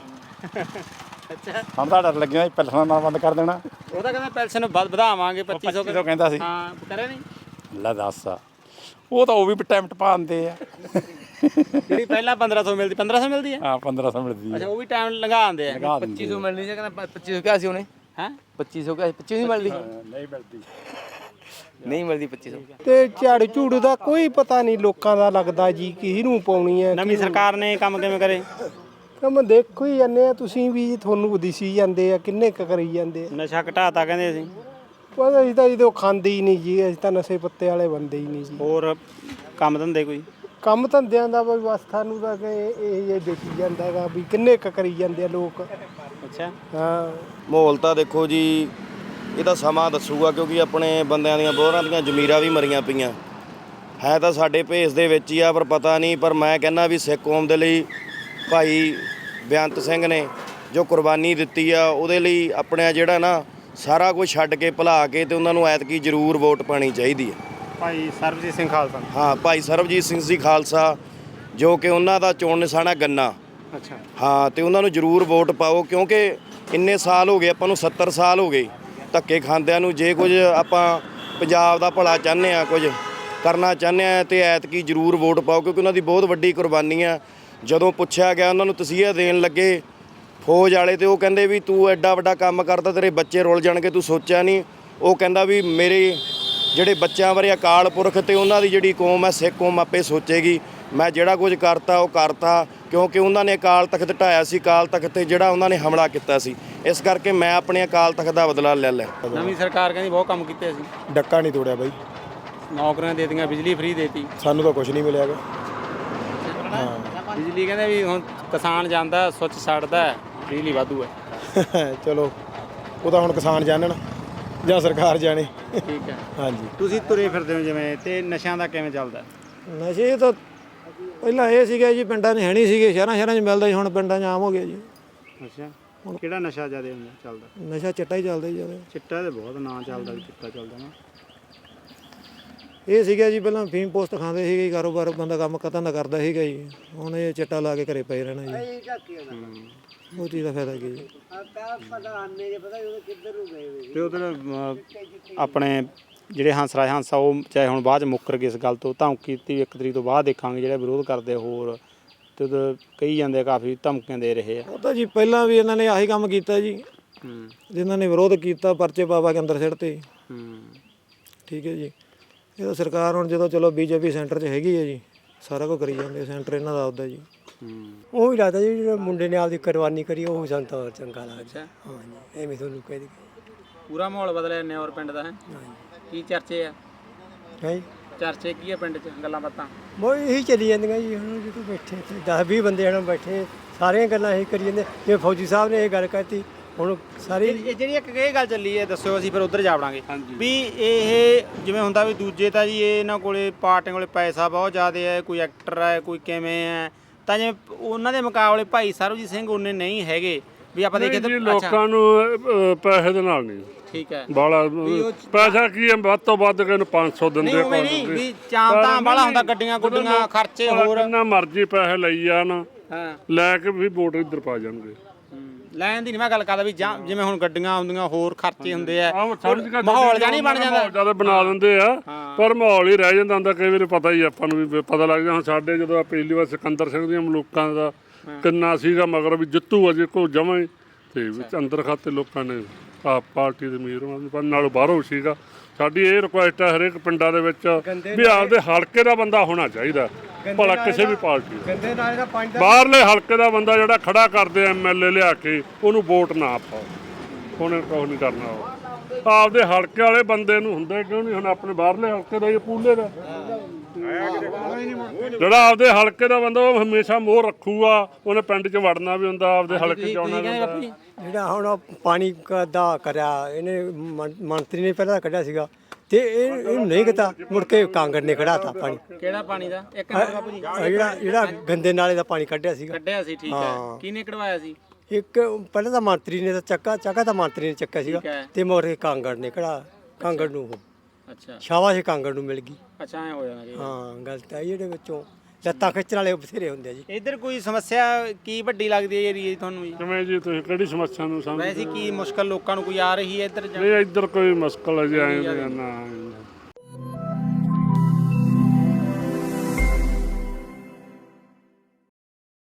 Speaker 5: ਅੱਛਾ,
Speaker 1: ਸਾਨੂੰ ਤਾਂ ਡਰ ਲੱਗਿਆ ਪੈਨਸ਼ਨ ਨਾਲ ਬੰਦ ਕਰ ਦੇਣਾ।
Speaker 5: ਉਹਦਾ ਕਹਿੰਦਾ ਪੈਨਸ਼ਨ ਵਧਾਵਾਂਗੇ ਪੱਚੀ ਸੌ
Speaker 1: ਕਿਲੋ ਕਹਿੰਦਾ ਸੀ।
Speaker 5: ਹਾਂ, ਕਰੇ ਨਹੀਂ
Speaker 1: ਲੈ ਦੱਸ, ਉਹ ਤਾਂ ਉਹ ਵੀ ਟਾਈਮ ਟਪਾ ਦਿੰਦੇ ਆ।
Speaker 5: ਜਿਹੜੀ ਪਹਿਲਾਂ ਪੰਦਰਾਂ ਸੌ ਮਿਲਦੀ, ਪੰਦਰਾਂ ਸੌ ਮਿਲਦੀ ਹੈ।
Speaker 1: ਹਾਂ, ਪੰਦਰਾਂ ਸੌ ਮਿਲਦੀ ਹੈ।
Speaker 5: ਅੱਛਾ, ਉਹ ਵੀ ਟਾਈਮ ਲੰਘਾ ਦਿੰਦੇ ਆ।
Speaker 11: ਪੱਚੀ ਸੌ ਮਿਲਣੀ ਸੀ, ਕਹਿੰਦਾ ਪੱਚੀ ਸੌ ਕਿਹਾ ਸੀ ਉਹਨੇ।
Speaker 5: ਹੈ
Speaker 11: ਪੱਚੀ ਸੌ ਕਿਹਾ, ਪੱਚੀ ਨਹੀਂ ਮਿਲਦੀ।
Speaker 1: ਨਹੀਂ ਮਿਲਦੀ,
Speaker 11: ਨਹੀਂ ਮਿਲਦੀ ਪੱਚੀ ਸੌ।
Speaker 16: ਤੇ ਝਾੜੂ ਝੂੜੂ ਦਾ ਕੋਈ ਪਤਾ ਨਹੀਂ ਲੋਕਾਂ ਦਾ ਲੱਗਦਾ ਜੀ, ਕਿਹਨੂੰ ਪਾਉਣੀ ਹੈ।
Speaker 5: ਨਵੀਂ ਸਰਕਾਰ ਨੇ ਕੰਮ ਕਿਵੇਂ ਕਰੇ?
Speaker 16: ਕੰਮ ਦੇਖੋ ਹੀ ਜਾਂਦੇ ਆ ਤੁਸੀਂ ਵੀ, ਤੁਹਾਨੂੰ ਦਿਸੀ ਜਾਂਦੇ ਆ ਕਿੰਨੇ ਕੁ ਕਰੀ ਜਾਂਦੇ ਆ।
Speaker 5: ਨਸ਼ਾ ਘਟਾਤਾ ਕਹਿੰਦੇ ਅਸੀਂ।
Speaker 16: ਪਰ ਅਸੀਂ ਤਾਂ ਜਦੋਂ ਖਾਂਦੇ ਹੀ ਨਹੀਂ ਜੀ, ਅਸੀਂ ਤਾਂ ਨਸ਼ੇ ਪੱਤੇ ਵਾਲੇ ਬੰਦੇ ਹੀ ਨਹੀਂ ਜੀ।
Speaker 5: ਹੋਰ ਕੰਮ ਧੰਦੇ ਕੋਈ?
Speaker 16: ਕੰਮ ਧੰਦਿਆਂ ਦਾ ਬਈ ਬਸ ਸਾਨੂੰ ਤਾਂ ਕਿ ਇਹ ਜੇ ਦੇਖੀ ਜਾਂਦਾ ਹੈਗਾ ਵੀ ਕਿੰਨੇ ਕੁ ਕਰੀ ਜਾਂਦੇ ਆ ਲੋਕ।
Speaker 5: ਅੱਛਾ,
Speaker 16: ਹਾਂ
Speaker 6: ਮਾਹੌਲ ਤਾਂ ਦੇਖੋ ਜੀ, ਇਹ ਤਾਂ ਸਮਾਂ ਦੱਸੂਗਾ, ਕਿਉਂਕਿ ਆਪਣੇ ਬੰਦਿਆਂ ਦੀਆਂ ਬੋਹਰਾਂ ਦੀਆਂ ਜ਼ਮੀਰਾਂ ਵੀ ਮਰੀਆਂ ਪਈਆਂ ਹੈ ਤਾਂ ਸਾਡੇ ਭੇਸ ਦੇ ਵਿੱਚ ਹੀ ਆ, ਪਰ ਪਤਾ ਨਹੀਂ। ਪਰ ਮੈਂ ਕਹਿੰਦਾ ਵੀ ਸਿੱਖ ਕੌਮ ਦੇ ਲਈ ਭਾਈ ਬੇਅੰਤ ਸਿੰਘ ਨੇ ਜੋ ਕੁਰਬਾਨੀ ਦਿੱਤੀ ਆ, ਉਹਦੇ ਲਈ ਆਪਣੇ ਜਿਹੜਾ ਨਾ ਸਾਰਾ ਕੁਝ ਛੱਡ ਕੇ ਭੁਲਾ ਕੇ ਤੇ ਉਹਨਾਂ ਨੂੰ ਐਤਕੀ ਜ਼ਰੂਰ ਵੋਟ ਪਾਣੀ ਚਾਹੀਦੀ ਹੈ।
Speaker 5: ਭਾਈ ਸਰਬਜੀਤ ਸਿੰਘ ਖਾਲਸਾ।
Speaker 6: ਹਾਂ, ਭਾਈ ਸਰਬਜੀਤ ਸਿੰਘ ਜੀ ਖਾਲਸਾ, ਜੋ ਕਿ ਉਹਨਾਂ ਦਾ ਚੋਣ ਨਿਸ਼ਾਨਾ ਗੰਨਾ।
Speaker 5: ਅੱਛਾ,
Speaker 6: ਹਾਂ, ਤੇ ਉਹਨਾਂ ਨੂੰ ਜ਼ਰੂਰ ਵੋਟ ਪਾਓ, ਕਿਉਂਕਿ ਇੰਨੇ ਸਾਲ ਹੋ ਗਏ ਆਪਾਂ ਨੂੰ, ਸੱਤਰ ਸਾਲ ਹੋ ਗਏ ਧੱਕੇ ਖਾਂਦਿਆਂ ਨੂੰ। ਜੇ ਕੁਝ ਆਪਾਂ ਪੰਜਾਬ ਦਾ ਭਲਾ ਚਾਹੁੰਦੇ ਆ, ਕੁਝ ਕਰਨਾ ਚਾਹੁੰਦੇ ਆ, ਤੇ ਐਤਕੀ ਜ਼ਰੂਰ ਵੋਟ ਪਾਓ, ਕਿਉਂਕਿ ਉਹਨਾਂ ਦੀ ਬਹੁਤ ਵੱਡੀ ਕੁਰਬਾਨੀ ਆ। ਜਦੋਂ ਪੁੱਛਿਆ ਗਿਆ ਉਹਨਾਂ ਨੂੰ ਤਸੀਹਾ ਦੇਣ ਲੱਗੇ ਫੌਜ ਵਾਲੇ, ਤੇ ਉਹ ਕਹਿੰਦੇ ਵੀ ਤੂੰ ਐਡਾ ਵੱਡਾ ਕੰਮ ਕਰਦਾ, ਤੇਰੇ ਬੱਚੇ ਰੁੱਲ ਜਾਣਗੇ, ਤੂੰ ਸੋਚਿਆ ਨਹੀਂ। ਉਹ ਕਹਿੰਦਾ ਵੀ ਮੇਰੇ ਜਿਹੜੇ ਬੱਚਿਆਂ ਬਾਰੇ ਅਕਾਲ ਪੁਰਖ ਤੇ ਉਹਨਾਂ ਦੀ ਜਿਹੜੀ ਕੌਮ ਹੈ ਸਿੱਖ ਕੌਮ ਆਪੇ ਸੋਚੇਗੀ। ਮੈਂ ਜਿਹੜਾ ਕੁਝ ਕਰਤਾ ਉਹ ਕਰਤਾ, ਕਿਉਂਕਿ ਉਹਨਾਂ ਨੇ ਅਕਾਲ ਤਖਤ ਢਾਇਆ ਸੀ, ਅਕਾਲ ਤਖਤ ਤੇ ਜਿਹੜਾ ਉਹਨਾਂ ਨੇ ਹਮਲਾ ਕੀਤਾ ਸੀ, ਇਸ ਕਰਕੇ ਮੈਂ ਆਪਣੇ ਅਕਾਲ ਤਖਤ ਦਾ ਬਦਲਾ ਲੈ ਲਿਆ।
Speaker 5: ਨਵੀਂ ਸਰਕਾਰ ਕਹਿੰਦੀ ਬਹੁਤ ਕੰਮ ਕੀਤੇ ਅਸੀਂ।
Speaker 16: ਡੱਕਾ ਨਹੀਂ ਤੋੜਿਆ ਬਾਈ,
Speaker 5: ਨੌਕਰੀਆਂ ਦੇ ਦਿੱਤੀਆਂ, ਬਿਜਲੀ ਫ੍ਰੀ ਦੇਤੀ।
Speaker 16: ਸਾਨੂੰ ਤਾਂ ਕੁਝ ਨਹੀਂ ਮਿਲਿਆਗਾ।
Speaker 5: ਬਿਜਲੀ ਕਹਿੰਦੇ ਵੀ ਹੁਣ ਕਿਸਾਨ ਜਾਂਦਾ ਸੁੱਚ ਛੱਡਦਾ, ਬਿਜਲੀ ਵਾਧੂ ਹੈ।
Speaker 16: ਚਲੋ ਉਹ ਤਾਂ ਹੁਣ ਕਿਸਾਨ ਜਾਣਨ।
Speaker 12: ਜਾਂ ਸਰਕਾਰ ਜਾਣੇ।
Speaker 5: ਠੀਕ ਹੈ।
Speaker 12: ਹਾਂਜੀ।
Speaker 5: ਤੁਸੀਂ ਤੁਰੇ ਫਿਰਦੇ ਹੋ ਜਿਵੇਂ, ਤੇ ਨਸ਼ਿਆਂ ਦਾ ਕਿਵੇਂ ਚੱਲਦਾ?
Speaker 2: ਨਸ਼ੇ ਤਾਂ ਪਹਿਲਾਂ ਇਹ ਸੀਗਾ ਜੀ, ਪਿੰਡਾਂ 'ਚ ਹੈ ਨਹੀਂ ਸੀਗੇ, ਸ਼ਹਿਰਾਂ ਸ਼ਹਿਰਾਂ 'ਚ ਮਿਲਦਾ ਸੀ, ਹੁਣ ਪਿੰਡਾਂ 'ਚ ਆਮ ਹੋ ਗਿਆ ਜੀ।
Speaker 5: ਅੱਛਾ, ਕਿਹੜਾ ਨਸ਼ਾ ਜ਼ਿਆਦਾ ਹੁੰਦਾ ਚੱਲਦਾ?
Speaker 2: ਨਸ਼ਾ ਚਿੱਟਾ ਹੀ ਚੱਲਦਾ ਜੀ ਜ਼ਿਆਦਾ।
Speaker 5: ਚਿੱਟਾ ਤੇ ਬਹੁਤ ਨਾਂ ਚੱਲਦਾ ਵੀ ਚਿੱਟਾ ਚੱਲਦਾ ਨਾ।
Speaker 2: ਇਹ ਸੀਗਾ ਜੀ ਪਹਿਲਾਂ ਫੀਮ ਪੋਸਟ ਖਾਂਦੇ ਸੀਗੇ ਜੀ, ਕਾਰੋਬਾਰ ਬੰਦਾ ਕੰਮ ਧੰਦਾ ਕਰਦਾ ਸੀਗਾ ਜੀ, ਹੁਣ ਇਹ ਚਿੱਟਾ ਲਾ ਕੇ ਘਰੇ ਪਏ ਰਹਿਣਾ ਜੀ। ਉਹ ਚੀਜ਼ ਦਾ ਫਾਇਦਾ ਕੀ ਜੀ?
Speaker 5: ਤੇ ਉਧਰ ਆਪਣੇ ਜਿਹੜੇ ਹੰਸਰਾਜ ਹੰਸਾ, ਉਹ ਚਾਹੇ ਹੁਣ ਬਾਅਦ ਚ ਮੁੱਕਰ ਗਏ ਇਸ ਗੱਲ ਤੋਂ, ਧਮਕੀ ਦਿੱਤੀ ਇੱਕ ਤਰੀਕ ਤੋਂ ਬਾਅਦ ਦੇਖਾਂਗੇ ਜਿਹੜੇ ਵਿਰੋਧ ਕਰਦੇ ਹੋਰ, ਤੇ ਉਧਰ ਕਹੀ ਜਾਂਦੇ ਆ ਕਾਫੀ ਧਮਕੀਆਂ ਦੇ ਰਹੇ ਆ।
Speaker 2: ਉਹ ਤਾਂ ਜੀ ਪਹਿਲਾਂ ਵੀ ਇਹਨਾਂ ਨੇ ਆਹੀ ਕੰਮ ਕੀਤਾ ਜੀ, ਜਿਨ੍ਹਾਂ ਨੇ ਵਿਰੋਧ ਕੀਤਾ ਪਰਚੇ ਪਾ ਕੇ ਅੰਦਰ ਸਿੱਟਤੇ। ਠੀਕ ਹੈ ਜੀ। ਇਹ ਤਾਂ ਸਰਕਾਰ ਹੁਣ ਜਦੋਂ ਚਲੋ ਬੀਜੇਪੀ ਸੈਂਟਰ 'ਚ ਹੈਗੀ ਹੈ ਜੀ, ਸਾਰਾ ਕੁਝ ਕਰੀ ਜਾਂਦੇ, ਸੈਂਟਰ ਇਹਨਾਂ ਦਾ ਆਪਦਾ ਜੀ।
Speaker 16: ਉਹ ਵੀ ਲੱਗਦਾ ਜੀ ਜਿਹੜਾ ਮੁੰਡੇ ਨੇ ਆਪਦੀ ਕੁਰਬਾਨੀ ਕਰੀ, ਉਹ ਸਾਨੂੰ ਤਾਂ ਚੰਗਾ ਲੱਗਦਾ। ਹਾਂਜੀ, ਐਵੇਂ ਤੁਹਾਨੂੰ ਕਹਿ ਦੇ।
Speaker 5: ਪੂਰਾ ਮਾਹੌਲ ਬਦਲਿਆ ਨਿਓਰ ਪਿੰਡ ਦਾ ਹੈ। ਕੀ ਚਰਚੇ ਆ?
Speaker 16: ਹੈ
Speaker 5: ਚਰਚੇ ਕੀ ਆ ਪਿੰਡ 'ਚ, ਗੱਲਾਂ ਬਾਤਾਂ?
Speaker 16: ਉਹ ਇਹੀ ਚੱਲੀ ਜਾਂਦੀਆਂ ਜੀ। ਹੁਣ ਜਦੋਂ ਬੈਠੇ ਇੱਥੇ ਦਸ ਵੀਹ ਬੰਦੇ ਹਨ ਬੈਠੇ, ਸਾਰੀਆਂ ਗੱਲਾਂ ਇਹੀ ਕਰੀ ਜਾਂਦੇ। ਜਿਵੇਂ ਫੌਜੀ ਸਾਹਿਬ ਨੇ ਇਹ ਗੱਲ ਕਹਿਤੀ, ਹੁਣ ਸਾਰੀ
Speaker 5: ਇਹ ਜਿਹੜੀ ਇੱਕ ਇਹ ਗੱਲ ਚੱਲੀ ਹੈ, ਦੱਸਿਓ, ਅਸੀਂ ਫਿਰ ਉੱਧਰ ਜਾ ਵੜਾਂਗੇ ਵੀ ਇਹ ਜਿਵੇਂ ਹੁੰਦਾ ਵੀ ਦੂਜੇ ਤਾਂ ਜੀ ਇਹ ਇਹਨਾਂ ਕੋਲੇ ਪਾਰਟੀਆਂ ਕੋਲੇ ਪੈਸਾ ਬਹੁਤ ਜ਼ਿਆਦਾ ਹੈ, ਕੋਈ ਐਕਟਰ ਹੈ, ਕੋਈ ਕਿਵੇਂ ਹੈ, ਤਾਂ ਜਿਵੇਂ ਉਹਨਾਂ ਦੇ ਮੁਕਾਬਲੇ ਭਾਈ ਸਰਬਜੀਤ ਸਿੰਘ ਉਹਨੇ ਨਹੀਂ ਹੈਗੇ ਵੀ ਆਪਾਂ ਦੇਖੀਏ ਤਾਂ।
Speaker 4: ਲੋਕਾਂ ਨੂੰ ਅ, ਪੈਸੇ ਦੇ ਨਾਲ ਨਹੀਂ।
Speaker 5: ਠੀਕ ਹੈ।
Speaker 4: ਬਾਲਾ ਪੈਸਾ ਕੀ ਹੈ, ਵੱਧ ਤੋਂ ਵੱਧ ਕਿਨੂੰ ਪੰਜ ਸੌ ਦਿੰਦੇ
Speaker 5: ਨਹੀਂ ਉਵੇਂ ਨਹੀਂ ਵੀ ਚਾਮ ਤਾਂ ਬਾਲਾ ਹੁੰਦਾ, ਗੱਡੀਆਂ ਗੁੱਡੀਆਂ ਖਰਚੇ ਹੋਰ
Speaker 4: ਜਿੰਨਾ ਮਰਜ਼ੀ ਪੈਸੇ ਲਈ ਜਾਣ,
Speaker 5: ਹਾਂ,
Speaker 4: ਲੈ ਕੇ ਵੀ ਵੋਟ ਇੱਧਰ ਪਾ ਜਾਣਗੇ।
Speaker 5: ਲੈਣ ਦੀ ਨਹੀਂ ਮੈਂ ਗੱਲ ਕਰਦਾ ਵੀ ਜਾਂ ਜਿਵੇਂ ਹੁਣ ਗੱਡੀਆਂ ਹੁੰਦੀਆਂ ਹੋਰ ਖਰਚੇ ਹੁੰਦੇ ਆ, ਮਾਹੌਲ ਜਾਂ ਨਹੀਂ ਬਣ ਜਾਂਦਾ,
Speaker 4: ਜਿਆਦਾ ਬਣਾ ਦਿੰਦੇ ਆ, ਪਰ ਮਾਹੌਲ ਹੀ ਰਹਿ ਜਾਂਦਾ ਹੁੰਦਾ। ਕਈ ਵਾਰੀ ਪਤਾ ਹੀ ਆਪਾਂ ਨੂੰ ਵੀ ਪਤਾ ਲੱਗ ਜਾਂਦਾ। ਹੁਣ ਸਾਡੇ ਜਦੋਂ ਪਹਿਲੀ ਵਾਰ ਸਿਕੰਦਰ ਸਿੰਘ ਦੀਆਂ ਮਲੂਕਾਂ ਦਾ ਕਿੰਨਾ ਸੀਗਾ ਮਗਰ ਵੀ ਜਿੱਤੂ ਅਜੇ ਕੋ ਜਮਾਂ ਹੀ, ਤੇ ਵਿੱਚ ਅੰਦਰ ਖਾਤੇ ਲੋਕਾਂ ਨੇ ਆਪ ਪਾਰਟੀ ਦੇ ਉਮੀਦਵਾਰ ਨਾਲੋਂ ਬਾਹਰੋਂ ਸੀਗਾ। ਸਾਡੀ ਇਹ ਰਿਕੁਐਸਟ ਹੈ ਹਰੇਕ ਪਿੰਡਾਂ ਦੇ ਵਿੱਚ ਵੀ ਆਪਦੇ ਹਲਕੇ ਦਾ ਬੰਦਾ ਹੋਣਾ ਚਾਹੀਦਾ, ਭਲਾ ਕਿਸੇ ਵੀ ਪਾਰਟੀ ਦਾ। ਬਾਹਰਲੇ ਹਲਕੇ ਦਾ ਬੰਦਾ ਜਿਹੜਾ ਖੜਾ ਕਰਦੇ ਐਮ ਐਲ ਏ ਲਿਆ ਕੇ, ਉਹਨੂੰ ਵੋਟ ਨਾ ਪਾਓ, ਉਹਨੇ ਕੁਛ ਨਹੀਂ ਕਰਨਾ। ਉਹ ਆਪਦੇ ਹਲਕੇ ਵਾਲੇ ਬੰਦੇ ਨੂੰ ਹੁੰਦਾ ਕਿਉਂ ਨਹੀਂ? ਹੁਣ ਆਪਣੇ ਬਾਹਰਲੇ ਹਲਕੇ ਦਾ ਇਹ ਪੂਲੇ ਦਾ ਜਿਹੜਾ ਆਪਦੇ ਹਲਕੇ ਦਾ ਬੰਦਾ, ਉਹ ਹਮੇਸ਼ਾ ਮੋਹ ਰੱਖੂਗਾ, ਉਹਨੇ ਪਿੰਡ 'ਚ ਵੜਨਾ ਵੀ ਹੁੰਦਾ, ਆਪਦੇ ਹਲਕੇ 'ਚ ਆਉਣਾ ਵੀ।
Speaker 16: ਜਿਹੜਾ ਹੁਣ ਪਾਣੀ ਦਾ ਕਰਿਆ ਇਹਨੇ ਮੰਤਰੀ ਨੇ ਪਹਿਲਾਂ ਕੱਢਿਆ ਸੀਗਾ, ਤੇ ਇਹ ਇਹਨੂੰ ਨਹੀਂ ਕੀਤਾ, ਮੁੜ ਕੇ ਕਾਂਗੜ ਨੇ ਕਢਾਤਾ ਪਾਣੀ।
Speaker 5: ਕਿਹੜਾ ਪਾਣੀ ਦਾ? ਇੱਕ ਮਿੰਟ ਬਾਪੂ ਜੀ,
Speaker 16: ਜਿਹੜਾ ਜਿਹੜਾ ਗੰਦੇ ਨਾਲੇ ਦਾ ਪਾਣੀ ਕੱਢਿਆ ਸੀਗਾ,
Speaker 5: ਕੱਢਿਆ ਸੀ। ਠੀਕ ਹੈ। ਕਿਹਨੇ ਕਢਵਾਇਆ ਸੀ?
Speaker 16: ਇੱਕ ਪਹਿਲਾਂ ਤਾਂ ਮੰਤਰੀ ਨੇ ਤਾਂ ਚੱਕਾ ਚੱਕਾ ਤਾਂ ਮੰਤਰੀ ਨੇ ਚੱਕਿਆ ਸੀਗਾ, ਤੇ ਮੋਰੇ ਕਾਂਗੜ ਨੇ ਕਢਾ, ਕਾਂਗੜ ਨੂੰ
Speaker 5: ਅੱਛਾ
Speaker 16: ਸ਼ਾਬਾਸ਼ ਕਾਂਗੜ ਨੂੰ ਮਿਲ ਗਈ।
Speaker 5: ਅੱਛਾ, ਐ ਹੋ ਜਾਣਾ ਜੀ।
Speaker 16: ਹਾਂ, ਗਲਤ ਹੈ ਜਿਹੜੇ ਵਿੱਚੋਂ ਲੱਤਾਂ ਖਿੱਚਣ ਵਾਲੇ ਬਥੇਰੇ ਹੁੰਦੇ ਆ ਜੀ।
Speaker 5: ਇੱਧਰ ਕੋਈ ਸਮੱਸਿਆ ਕੀ ਵੱਡੀ ਲੱਗਦੀ ਹੈ ਏਰੀਏ ਤੁਹਾਨੂੰ ਜੀ?
Speaker 4: ਕਿਵੇਂ ਜੀ, ਤੁਸੀਂ ਕਿਹੜੀ ਸਮੱਸਿਆ ਨੂੰ ਸਮਝਦੇ?
Speaker 5: ਵੈਸੇ ਕੀ ਮੁਸ਼ਕਲ ਲੋਕਾਂ ਨੂੰ ਕੋਈ ਆ ਰਹੀ ਹੈ ਇੱਧਰ?
Speaker 4: ਨਹੀਂ, ਇੱਧਰ ਕੋਈ ਮੁਸ਼ਕਲ ਅਜੇ ਆਏ ਨਾ।